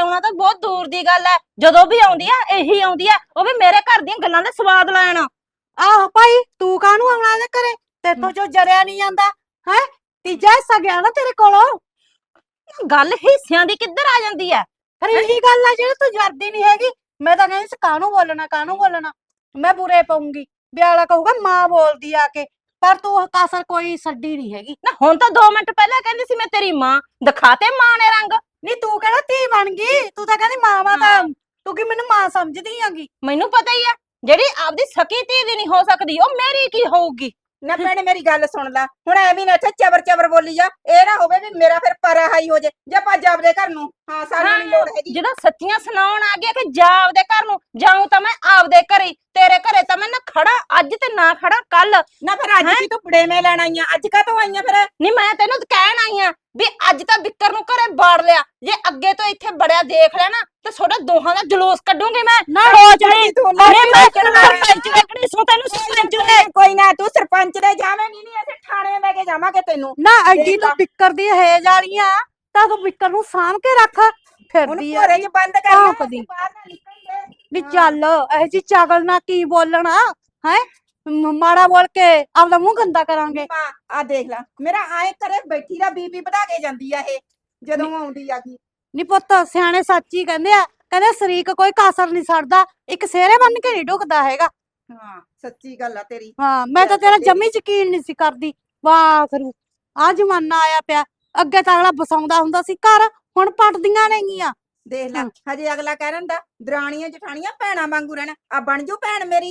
S5: ਬਹੁਤ ਦੂਰ ਦੀ ਗੱਲ ਹੈ। ਜਦੋਂ ਵੀ ਆਉਂਦੀ ਆ ਇਹੀ ਆਉਂਦੀ ਆ, ਉਹ ਵੀ ਮੇਰੇ ਘਰ ਦੀਆਂ ਗੱਲਾਂ ਦਾ ਸਵਾਦ ਲੈਣ।
S1: ਆਹੋ ਭਾਈ, ਤੂੰ ਕਾਹਨੂੰ ਆਉਣਾ ਇਹਦੇ ਘਰੇ? ਤੇਥੋਂ ਜੋ ਜਰਿਆ ਨਹੀਂ ਜਾਂਦਾ ਹੈ। ਤੀਜਾ ਹਿੱਸਾ ਗਿਆ ਨਾ ਤੇਰੇ ਕੋਲੋਂ।
S5: ਗੱਲ ਹਿੱਸਿਆਂ ਦੀ ਕਿੱਧਰ ਆ ਜਾਂਦੀ ਹੈ?
S1: ਫਿਰ ਇਹੀ ਗੱਲ ਆ ਜਿਹੜੀ ਤੂੰ ਜਰਦੀ ਨਹੀਂ ਹੈਗੀ। ਮੈਂ ਤਾਂ ਕਹਿੰਦੀ ਸੀ ਕਾਹਨੂੰ ਬੋਲਣਾ, ਕਾਹਨੂੰ ਬੋਲਣਾ। ਮੈਂ ਬੁਰੇ ਪਾਉਂਗੀ ਵੀ ਅਗਲਾ ਕਹੂਗਾ ਮਾਂ ਬੋਲਦੀ ਆ ਕੇ, ਪਰ ਤੂੰ ਕਾਸਰ ਕੋਈ ਛੱਡੀ ਨਹੀਂ ਹੈਗੀ।
S5: ਨਾ ਹੁਣ ਤਾਂ 2 ਮਿੰਟ ਪਹਿਲਾਂ ਕਹਿੰਦੀ ਸੀ ਮੈਂ ਤੇਰੀ ਮਾਂ, ਦਿਖਾਤੇ ਮਾਂ ਨੇ ਰੰਗ।
S1: ਨਹੀਂ ਤੂੰ ਕਿਹੜਾ ਧੀ ਬਣ ਗਈ? ਤੂੰ ਤਾਂ ਕਹਿੰਦੀ ਮਾਂ ਤਾਂ ਤੂੰ ਕੀ ਮੈਨੂੰ ਮਾਂ ਸਮਝਦੀ ਆਂਗੀ?
S5: ਮੈਨੂੰ ਪਤਾ ਹੀ ਆ, ਜਿਹੜੀ ਆਪਦੀ ਸਕੀ ਧੀ ਦੀ ਨਹੀਂ ਹੋ ਸਕਦੀ ਉਹ ਮੇਰੀ ਕੀ ਹੋਊਗੀ।
S3: ਨਾ ਭੈਣੇ ਮੇਰੀ ਗੱਲ ਸੁਣ ਲੈ, ਹੁਣ ਐਵੇਂ ਨਾ ਇੱਥੇ ਚਬਰ ਚਬਰ ਬੋਲੀ ਜਾ। ਇਹ ਨਾ ਹੋਵੇ ਵੀ ਮੇਰਾ ਫਿਰ ਪਰਾ ਹਾਈ ਹੋ ਜੇ ਜਾਂ ਭੱਜ ਆਪਦੇ ਘਰ ਨੂੰ। ਹਾਂ, ਸਾਨੂੰ ਨਹੀਂ ਲੋੜ ਹੈਗੀ।
S5: ਜਦੋਂ ਸੱਚੀਆਂ ਸੁਣਾਉਣ ਆ ਗਿਆ ਕਿ ਜਾ ਆਪਦੇ ਘਰ ਨੂੰ, ਜਾਊਂ ਤਾਂ ਮੈਂ ਆਪਦੇ ਘਰੇ। ਤੇਰੇ ਘਰੇ ਤਾਂ ਮੈਂ ਨਾ ਖੜਾ ਅੱਜ ਤੇ ਨਾ ਖੜਾ ਕੱਲ।
S3: ਨਾ ਫਿਰ ਅੱਜ ਕੀ ਤੂੰ ਬੜੇਵੇਂ ਲੈਣ ਆਈਆਂ? ਅੱਜ ਕਾਹਤੋਂ ਆਈਆਂ ਫਿਰ?
S5: ਨਹੀਂ ਮੈਂ ਤੈਨੂੰ ਕਹਿਣ ਆਈ ਆ ਵੀ ਅੱਜ ਤਾਂ ਬਿੱਕਰ ਨੂੰ ਘਰੇ ਬਾੜ ਲਿਆ। ਜੇ ਅੱਗੇ ਤੋਂ ਇੱਥੇ ਬੜਿਆ ਦੇਖ ਲਿਆ ਨਾ ਤੇ ਤੁਹਾਡਾ ਦੋਹਾਂ ਦਾ ਜਲੂਸ ਕੱਢੂੰਗੀ ਮੈਂ। ਸੋਚ ਲਈ
S3: ਤੂੰ
S5: ਅਰੇ ਮੈਂ ਸਰਪੰਚ ਲੱਗਣੀ ਸੋ ਤੈਨੂੰ ਸਰਪੰਚ ਨੇ।
S3: ਕੋਈ ਨਾ ਤੂੰ ਸਰਪੰਚ ਦੇ ਜਾਵੇਂਗੀ ਨਹੀਂ, ਅਸੀਂ ਥਾਣੇ ਲੈ ਕੇ ਜਾਵਾਂਗੇ ਤੈਨੂੰ।
S1: ਨਾ ਐਡੀ
S3: ਦੇਖ
S1: ਤੂੰ
S3: ਲਾ।
S1: ਬਿੱਕਰ ਦੀ ਹੇਜ ਵਾਲੀਆਂ ਤਾਂ ਤੂੰ ਬਿੱਕਰ ਨੂੰ ਸਾਂਭ ਕੇ ਰੱਖ।
S3: ਹੁਣ
S1: ਫਿਰਦੀ ਆ
S3: ਘਰੇ ਚ ਬੰਦ ਕਰ ਲੈ,
S1: ਭੌਂਕਦੀ।
S3: ਅਸੀਂ ਬਾਹਰ ਨਾ ਨਿਕਲਦੇ।
S1: ਵੀ ਚੱਲ ਇਹ ਜੀ ਚਾਗਲ ਨਾ ਕੀ ਬੋਲਣਾ ਹੈ। ਮਾੜਾ ਬੋਲ ਕੇ ਆਪਦਾ ਮੂੰਹ ਗੰਦਾ ਕਰਾਂਗੇ।
S3: ਮਾਂ ਆ ਦੇਖ ਲੈ, ਮੇਰਾ ਆਏ ਘਰੇ ਬੈਠੀ ਦਾ ਬੀਪੀ ਵਧਾ ਕੇ ਜਾਂਦੀ ਆ ਇਹ ਜਦੋਂ ਆਉਂਦੀ ਆ ਕੀ।
S1: ਨੀ ਪੁੱਤ, ਸਿਆਣੇ ਸੱਚ ਹੀ ਕਹਿੰਦੇ ਆ, ਕਹਿੰਦੇ ਸ਼ਰੀਕ ਕੋਈ ਕਾਸਰ ਨਹੀਂ ਛੱਡਦਾ, ਇੱਕ ਸਿਹਰੇ ਬੰਨ ਕੇ ਨਹੀਂ ਢੁਕਦਾ ਹੈਗਾ।
S3: ਹਾਂ ਸੱਚੀ ਗੱਲ ਆ ਤੇਰੀ।
S1: ਹਾਂ, ਮੈਂ ਤਾਂ ਤੇਰਾ ਜੰਮੀ ਯਕੀਨ ਨਹੀਂ ਸੀ ਕਰਦੀ। ਵਾਹ ਕਰੂ ਆ ਜ਼ਮਾਨਾ ਆਇਆ ਪਿਆ। ਅੱਗੇ ਤਾਂ ਅਗਲਾ ਬਸਾਉਂਦਾ ਹੁੰਦਾ ਸੀ ਘਰ, ਹੁਣ ਪਟਦੀਆਂ ਨੇਗੀਆਂ।
S3: ਦੇਖ ਲੈ, ਹਜੇ ਅਗਲਾ ਕਹਿ ਰੰਦਾ ਦਰਾਣੀਆਂ ਜਠਾਣੀਆਂ ਭੈਣਾਂ ਵਾਂਗੂ ਰਹਿਣਾ। ਆ ਬਣ ਜੂ ਭੈਣ ਮੇਰੀ।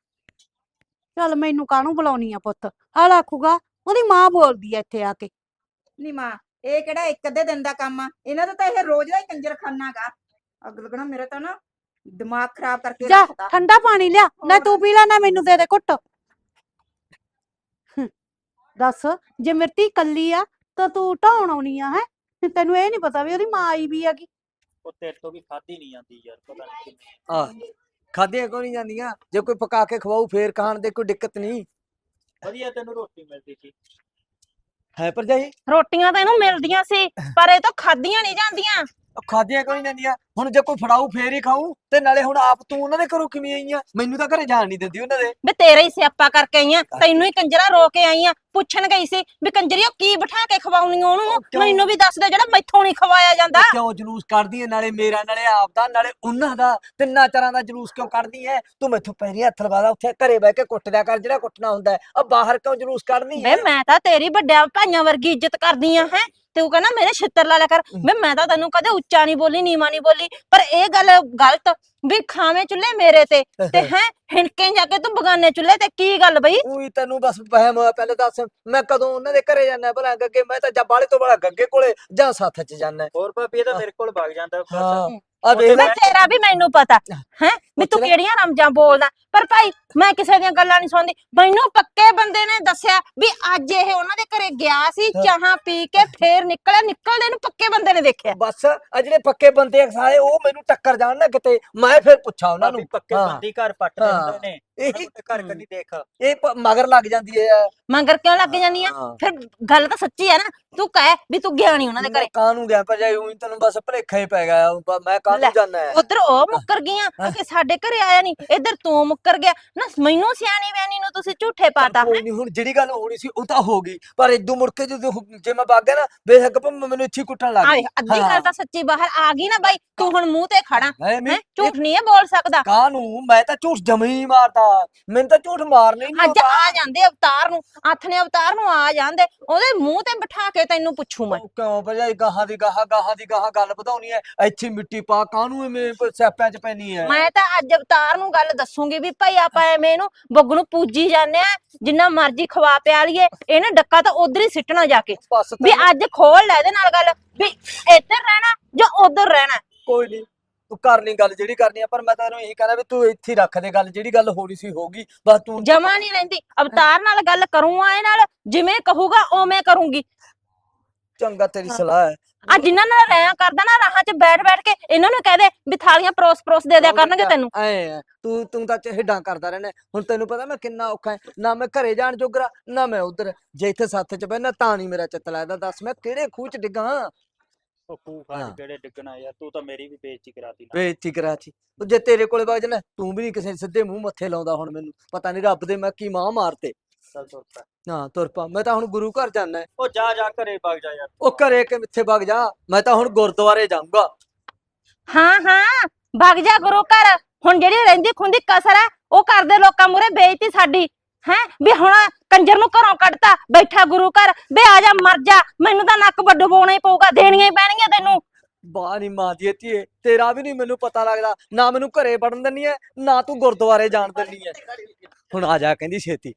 S1: ਚੱਲ ਮੈਨੂੰ ਕਾਹਨੂੰ ਬੁਲਾਉਣੀ ਆ ਪੁੱਤ? ਆਲਾ ਆਖੂਗਾ ਉਹਦੀ ਮਾਂ ਬੋਲਦੀ ਆ ਇੱਥੇ ਆ ਕੇ।
S3: ਨੀ ਮਾਂ, ਇਹ ਕਿਹੜਾ ਇੱਕ ਅੱਧੇ ਦਿਨ ਦਾ ਕੰਮ ਆ? ਇਹਨਾਂ ਦਾ ਤਾਂ ਇਹ ਰੋਜ਼ ਦਾ ਹੀ ਕੰਜਰਖਾਨਾ ਗਾ। ਅੱਗ ਲੱਗਣਾ, ਮੇਰਾ ਤਾਂ ਨਾ ਦਿਮਾਗ ਖਰਾਬ ਕਰਕੇ
S1: ਜਾ
S3: ਰੱਖਤਾ।
S1: ਠੰਡਾ ਪਾਣੀ ਲਿਆ, ਨਾ
S3: ਹੋਰ।
S1: ਤੂੰ ਪੀ ਲੈ ਨਾ ਮੈਨੂੰ ਦੇ ਦੇ ਘੁੱਟ। ਦੱਸ, ਜੇ ਮੇਰੀ ਧੀ ਕੱਲੀ ਆ ਤਾਂ ਤੂੰ ਢਾਉਣ ਆਉਣੀ ਆ ਹੈ? ਤੈਨੂੰ ਇਹ ਨਹੀਂ ਪਤਾ ਵੀ ਉਹਦੀ ਮਾਂ ਆਈ ਵੀ ਹੈਗੀ।
S6: ਉਹ ਤੇਰੇ ਤੋਂ ਵੀ ਖਾਧੀ ਨਹੀਂ ਜਾਂਦੀ ਯਾਰ, ਪਤਾ ਨਹੀਂ ਕਿਵੇਂ।
S2: ਆ ਖਾਧੀਆਂ ਕਿਉਂ ਨਹੀਂ ਜਾਂਦੀਆਂ? ਜੇ ਕੋਈ ਪਕਾ ਕੇ ਖਵਾਊ ਫੇਰ ਖਾਣ ਦੇ ਕੋਈ ਦਿੱਕਤ ਨਹੀਂ
S6: ਵਧੀਆ ਤੈਨੂੰ ਰੋਟੀ ਮਿਲਦੀ ਸੀ।
S2: ਹੈ ਭਰਜਾਈ।
S5: ਰੋਟੀਆਂ ਤਾਂ ਇਹਨੂੰ ਮਿਲਦੀਆਂ ਸੀ ਪਰ ਇਹ ਤੋਂ ਖਾਧੀਆਂ ਨਹੀਂ ਜਾਂਦੀਆਂ।
S2: ਖਾਧੀਆਂ ਕਿਉਂ ਨਹੀਂ ਜਾਂਦੀਆਂ? ਹੁਣ ਜੇ ਕੋਈ ਫੜਾਊ ਫੇਰ ਹੀ ਖਾਊ। ਤੇ ਨਾਲੇ ਹੁਣ ਆਪ ਤੂੰ ਉਹਨਾਂ ਦੇ ਘਰੋਂ ਕਿਵੇਂ ਆਈ ਆ? ਮੈਨੂੰ ਤਾਂ ਘਰੇ ਜਾਣ ਨਹੀਂ ਦਿੰਦੀ ਉਹਨਾਂ ਦੇ।
S5: ਵੀ ਤੇਰਾ ਹੀ ਸਿਆਪਾ ਕਰਕੇ ਆਈ ਆਂ, ਤੈਨੂੰ ਹੀ ਕੰਜਰਾ ਰੋ ਕੇ ਆਈ ਆਂ। ਪੁੱਛਣ ਗਈ ਸੀ ਵੀ ਕੰਜਰੀ ਉਹ ਕੀ ਬਿਠਾ ਕੇ ਖਵਾਉਣੀ ਉਹਨੂੰ,
S2: ਕਿਉਂ?
S5: ਮੈਨੂੰ ਵੀ ਦੱਸ ਦੇ ਜਿਹੜਾ ਮੈਥੋਂ ਨਹੀਂ ਖਵਾਇਆ ਜਾਂਦਾ।
S2: ਕਿਉਂ ਜਲੂਸ ਕੱਢਦੀ ਐ? ਨਾਲੇ ਮੇਰਾ, ਨਾਲੇ ਆਪ ਦਾ, ਨਾਲੇ ਉਹਨਾਂ ਦਾ। ਤਿੰਨਾਂ ਚਾਰਾਂ ਦਾ ਜਲੂਸ ਕਿਉਂ ਕੱਢਦੀ ਐ ਤੂੰ? ਮੈਥੋਂ ਪੈਰੀ ਹੱਥ ਲਵਾਦਾ, ਉੱਥੇ ਘਰੇ ਬਹਿ ਕੇ ਕੁੱਟ ਦਿਆ ਕਰ ਜਿਹੜਾ ਕੁੱਟਣਾ ਹੁੰਦਾ ਹੈ। ਆ ਬਾਹਰ ਕਿਉਂ ਜਲੂਸ ਕੱਢਦੀ
S5: ਵੇ
S2: ਐ?
S5: ਮੈਂ ਤਾਂ ਤੇਰੀ ਵੱਡਿਆਂ ਭਾਈਆਂ ਵਰਗੀ ਇੱਜ਼ਤ ਕਰਦੀ ਆ ਹੈ। ਤੂੰ ਕਹਿੰਦਾ ਮੇਰੇ ਛਿੱਤਰ ਲਾ ਲਿਆ ਕਰ। ਵੇ ਮੈਂ ਤਾਂ ਤੈਨੂੰ ਕਦੇ ਉੱਚਾ ਨਹੀਂ ਬੋਲੀ, ਨੀਵਾਂ ਨਹੀਂ ਬੋਲੀ, ਪਰ ਇਹ ਗੱਲ ਗਲਤ ਵੀ ਖਾਵੇਂ ਚੁੱਲ੍ਹੇ ਮੇਰੇ ਤੇ ਹੈ ਹਿਣਕੇ ਜਾ ਕੇ ਤੂੰ ਬਗਾਨੇ ਚੁੱਲ੍ਹੇ ਤੇ। ਕੀ ਗੱਲ ਬਈ?
S2: ਉਹੀ ਤੈਨੂੰ ਬਸ ਵਹਿਮ ਹੋਇਆ। ਪਹਿਲੇ ਦੱਸ, ਮੈਂ ਕਦੋਂ ਉਹਨਾਂ ਦੇ ਘਰੇ ਜਾਣਾ ਭਲਾ? ਗੱਗੇ ਮੈਂ ਤਾਂ ਜਾਂ ਬਾਲੇ ਤੋਂ ਬੜਾ ਗੱਗੇ ਕੋਲੇ ਜਾਂ ਸੱਥ 'ਚ ਜਾਣਾ।
S6: ਹੋਰ ਭਾਬੀ ਇਹ ਤਾਂ ਮੇਰੇ ਕੋਲ ਵਗ ਜਾਂਦਾ ਬਸ।
S2: ਹਾਂ ਆ ਦੇਖ ਲੈ।
S5: ਮੈਂ ਤੇਰਾ ਵੀ ਮੈਨੂੰ ਪਤਾ ਹੈ ਵੀ ਤੂੰ
S2: ਪੁੱਛ ਲੈ।
S5: ਕਿਹੜੀਆਂ ਰਮਜਾਂ ਬੋਲਦਾ। ਪਰ ਭਾਈ ਮੈਂ ਕਿਸੇ ਦੀਆਂ ਗੱਲਾਂ ਨਹੀਂ ਸੁਣਦੀ। ਮੈਨੂੰ ਪੱਕੇ ਬੰਦੇ ਨੇ ਦੱਸਿਆ ਵੀ ਅੱਜ ਇਹ ਉਹਨਾਂ ਦੇ ਘਰੇ ਗਿਆ ਸੀ, ਚਾਹਾਂ ਪੀ ਕੇ ਫੇਰ ਨਿਕਲਿਆ। ਨਿਕਲਦੇ ਨੂੰ ਪੱਕੇ ਬੰਦੇ ਨੇ ਦੇਖਿਆ।
S2: ਬਸ ਆ ਜਿਹੜੇ ਪੱਕੇ ਬੰਦੇ ਆ ਸਾਰੇ, ਉਹ ਮੈਨੂੰ ਟੱਕਰ ਜਾਣ ਨਾ ਕਿਤੇ, ਮੈਂ ਫਿਰ ਪੁੱਛਾਂ ਉਹਨਾਂ ਨੂੰ।
S6: ਭਾਬੀ ਪੱਕੇ
S2: ਹਾਂ।
S6: ਬੰਦੀ ਘਰ ਪੱਟਦੇ
S2: ਹਾਂ।
S6: ਹੁੰਦੇ ਨੇ।
S2: ਇਹੀ
S6: ਘਰ ਕਦੀ ਦੇਖ।
S2: ਇਹ ਮਗਰ ਲੱਗ ਜਾਂਦੀ ਹੈ।
S5: ਮਗਰ ਕਿਉਂ ਲੱਗ ਜਾਂਦੀ ਆ?
S2: ਹਾਂ।
S5: ਫਿਰ ਗੱਲ ਤਾਂ ਸੱਚੀ ਆ ਨਾ। ਤੂੰ ਕਹਿ ਵੀ ਤੂੰ ਗਿਆ ਨਹੀਂ ਉਹਨਾਂ ਦੇ ਘਰੇ।
S2: ਕਾਹਨੂੰ ਗਿਆ ਭਜਾਈ? ਉਹੀ ਤੈਨੂੰ ਬਸ ਭਲੇਖਾ ਹੀ ਪੈ ਗਿਆ। ਮੈਂ
S5: ਲੈ।
S2: ਕਾਹਨੂੰ ਜਾਣਾ ਹੈ?
S5: ਉਧਰ ਉਹ ਮੁੱਕਰ ਗਈਆਂ ਕਿ ਸਾਡੇ ਘਰੇ ਆਇਆ ਨਹੀਂ, ਇੱਧਰ ਤੂੰ ਮੁੱਕਰ ਗਿਆ ਨਾ। ਮੈਨੂੰ ਸਿਆਣੀ ਵੈਣੀ ਨੂੰ ਤੁਸੀਂ ਝੂਠੇ ਪਾਤਾ।
S2: ਕੋਈ ਨਹੀਂ, ਹੁਣ ਜਿਹੜੀ ਗੱਲ ਹੋਣੀ ਸੀ ਉਹ ਤਾਂ ਹੋ ਗਈ, ਪਰ ਇਦੋਂ ਮੁੜ ਕੇ ਜੇ ਮੈਂ ਵਗ ਗਿਆ ਨਾ, ਬੇਸ਼ੱਕ ਭਾਵੇਂ ਮੈਨੂੰ ਇੱਥੇ ਹੀ ਕੁੱਟਣ ਲੱਗ
S5: ਆਏ
S2: ਗਈ।
S5: ਅੱਧੀ ਗੱਲ ਤਾਂ ਸੱਚੀ ਬਾਹਰ ਆ ਗਈ ਨਾ ਬਾਈ। ਤੂੰ ਹੁਣ ਮੂੰਹ ਤੇ ਖੜਾ
S2: ਹੈ
S5: ਹੈ, ਝੂਠ ਨਹੀਂ ਇਹ ਬੋਲ ਸਕਦਾ।
S2: ਕਾਹਨੂੰ? ਮੈਂ ਤਾਂ ਝੂਠ ਜਮੇ ਹੀ ਨਹੀਂ ਮਾਰਦਾ। ਮੈਨੂੰ ਤਾਂ ਝੂਠ ਮਾਰਨਾ ਹੀ ਨਹੀਂ
S5: ਅੱਜ ਆ ਜਾਂਦੇ ਅਵਤਾਰ ਨੂੰ, ਹੱਥ ਨੇ ਅਵਤਾਰ ਨੂੰ ਆ ਜਾਂਦੇ, ਉਹਦੇ ਮੂੰਹ ਤੇ ਬਿਠਾ ਕੇ ਤੈਨੂੰ ਪੁੱਛੂ ਮੈਂ।
S2: ਕਿਉਂ ਭਜਾਈ? ਗਾਹਾਂ ਦੀ ਗਾਹਾਂ ਗੱਲ ਵਧਾਉਣੀ ਹੈ। ਇੱਥੇ ਮਿੱਟੀ ਪਾ, ਕਾਹਨੂੰ ਐਵੇਂ ਸਿਆਪਿਆਂ 'ਚ ਪੈਣੀ ਹੈ?
S5: ਮੈਂ ਤਾਂ ਅੱਜ ਅਵਤਾਰ ਨੂੰ ਗੱਲ ਦੱਸੂਗੀ ਵੀ ਭਾਈ ਆਪਾਂ ਐਵੇਂ ਇਹਨੂੰ ਬੱਗ ਨੂੰ ਪੂਜੀ ਜਾਂਦੇ ਆ, ਜਿੰਨਾ ਮਰਜ਼ੀ ਖਵਾ ਪਿਆ ਲਈਏ, ਇਹਨੇ ਡੱਕਾ ਤਾਂ ਉਧਰ ਹੀ ਸਿੱਟਣਾ ਜਾ ਕੇ।
S2: ਬਸ
S5: ਵੀ ਅੱਜ ਖੋਲ ਲੈ ਇਹਦੇ ਨਾਲ ਗੱਲ ਵੀ ਇੱਧਰ ਰਹਿਣਾ ਜਾਂ ਉਧਰ ਰਹਿਣਾ।
S2: ਕੋਈ ਨਹੀਂ, ਤੂੰ ਕਰ ਲਈ ਗੱਲ ਜਿਹੜੀ ਕਰਨੀ ਆ, ਪਰ ਮੈਂ ਤੈਨੂੰ ਇਹੀ ਕਹਿੰਦਾ ਵੀ ਤੂੰ ਇੱਥੇ ਹੀ ਰੱਖ ਦੇ ਗੱਲ। ਜਿਹੜੀ ਗੱਲ ਹੋਣੀ ਸੀ ਹੋਗੀ, ਬਸ ਤੂੰ
S5: ਜਮਾ ਨਹੀਂ ਰਹਿੰਦੀ। ਅਵਤਾਰ ਨਾਲ ਗੱਲ ਕਰੂੰਗਾ, ਇਹ ਨਾਲ ਜਿਵੇਂ ਕਹੂਗਾ ਉਵੇਂ ਕਰੂੰਗੀ।
S2: ਚੰਗਾ, ਤੇਰੀ ਸਲਾਹ ਹੈ।
S5: ਆ ਜਿਨ੍ਹਾਂ ਨਾਲ ਰਹਿਆ ਕਰਦਾ ਨਾ ਰਾਹਾਂ 'ਚ ਬੈਠ ਬੈਠ ਕੇ, ਇਹਨਾਂ ਨੂੰ ਕਹਿ ਦੇ ਵੀ ਥਾਲੀਆਂ ਪਰੋਸ ਦੇ ਦਿਆ ਕਰਨਗੇ ਤੈਨੂੰ।
S2: ਐ ਤੂੰ ਤਾਂ ਚਿਹੜਾਂ ਕਰਦਾ ਰਹਿਣਾ। ਹੁਣ ਤੈਨੂੰ ਪਤਾ ਮੈਂ ਕਿੰਨਾ ਔਖਾ ਹੈ, ਨਾ ਮੈਂ ਘਰੇ ਜਾਣ ਜੋਗਰਾ, ਨਾ ਮੈਂ ਉਧਰ। ਜੇ ਇੱਥੇ ਸੱਥ 'ਚ ਬਹਿਣਾ ਤਾਂ ਨਹੀਂ ਮੇਰਾ ਚਿੱਤ ਲੱਗਦਾ। ਦੱਸ ਮੈਂ ਕਿਹੜੇ ਖੂਹ 'ਚ ਡਿੱਗਾ?
S6: ਉਹ ਖੂਹ
S2: ਹਾਂ।
S6: ਖਾਟ ਕਿਹੜੇ ਡਿੱਗਣਾ ਯਾਰ, ਤੂੰ ਤਾਂ ਮੇਰੀ ਵੀ ਬੇਇੱਜ਼ਤੀ ਕਰਾਤੀ ਨਾ।
S2: ਬੇਇੱਜ਼ਤੀ ਕਰਾਚੀ ਉਹ ਜੇ ਤੇਰੇ ਕੋਲੇ ਵਗ ਜਾਣਾ ਤੂੰ ਵੀ ਨਹੀਂ ਕਿਸੇ ਸਿੱਧੇ ਮੂੰਹ ਮੱਥੇ ਲਾਉਂਦਾ। ਹੁਣ ਮੈਨੂੰ ਪਤਾ ਨਹੀਂ ਰੱਬ ਦੇ ਮੈਂ ਕੀ ਮਾਂ ਮਾਰਤੇ।
S6: ਚੱਲ ਤੁਰ ਪੈ।
S2: ਹਾਂ ਤੁਰ ਪਾ, ਮੈਂ ਤਾਂ ਹੁਣ ਗੁਰੂ ਘਰ ਜਾਣਾ।
S6: ਉਹ ਜਾ ਜਾ ਘਰੇ ਵਗ ਜਾ ਯਾਰ।
S2: ਉਹ ਘਰੇ ਕਿ ਮਿੱਥੇ ਵਗ ਜਾ, ਮੈਂ ਤਾਂ ਹੁਣ ਗੁਰਦੁਆਰੇ ਜਾਊਂਗਾ।
S5: ਹਾਂ ਹਾਂ ਭੱਗ ਜਾ ਗੁਰੂ ਘਰ। ਹੁਣ ਜਿਹੜੀ ਰਹਿੰਦੀ ਖੁੰਦੀ ਕਸਰ ਹੈ ਉਹ ਕਰਦੇ ਲੋਕਾਂ ਮੂਰੇ ਬੇਇੱਜ਼ਤੀ ਸਾਡੀ ਹੈ ਵੀ ਹੁਣ ਕੰਜਰ ਨੂੰ ਘਰੋਂ ਕੱਢਤਾ ਬੈਠਾ ਗੁਰੂ ਘਰ। ਬੇ ਆ ਜਾ ਮਰ ਜਾ, ਮੈਨੂੰ ਤਾਂ ਨੱਕ ਵੱਡੂ ਪਾਉਣਾ ਹੀ ਪਊਗਾ, ਦੇਣੀਆਂ ਹੀ ਪੈਣਗੀਆਂ ਤੈਨੂੰ।
S2: ਬਾਹ ਨੀ ਮਾਂ ਦੀ ਧੀਏ, ਤੇਰਾ ਵੀ ਨਹੀਂ ਮੈਨੂੰ ਪਤਾ ਲੱਗਦਾ। ਨਾ ਮੈਨੂੰ ਘਰੇ ਵੜਨ ਦਿੰਨੀ ਐ, ਨਾ ਤੂੰ ਗੁਰਦੁਆਰੇ ਜਾਣ ਦਿੰਨੀ ਐ। ਹੁਣ ਆ ਜਾ ਕਹਿੰਦੀ ਛੇਤੀ।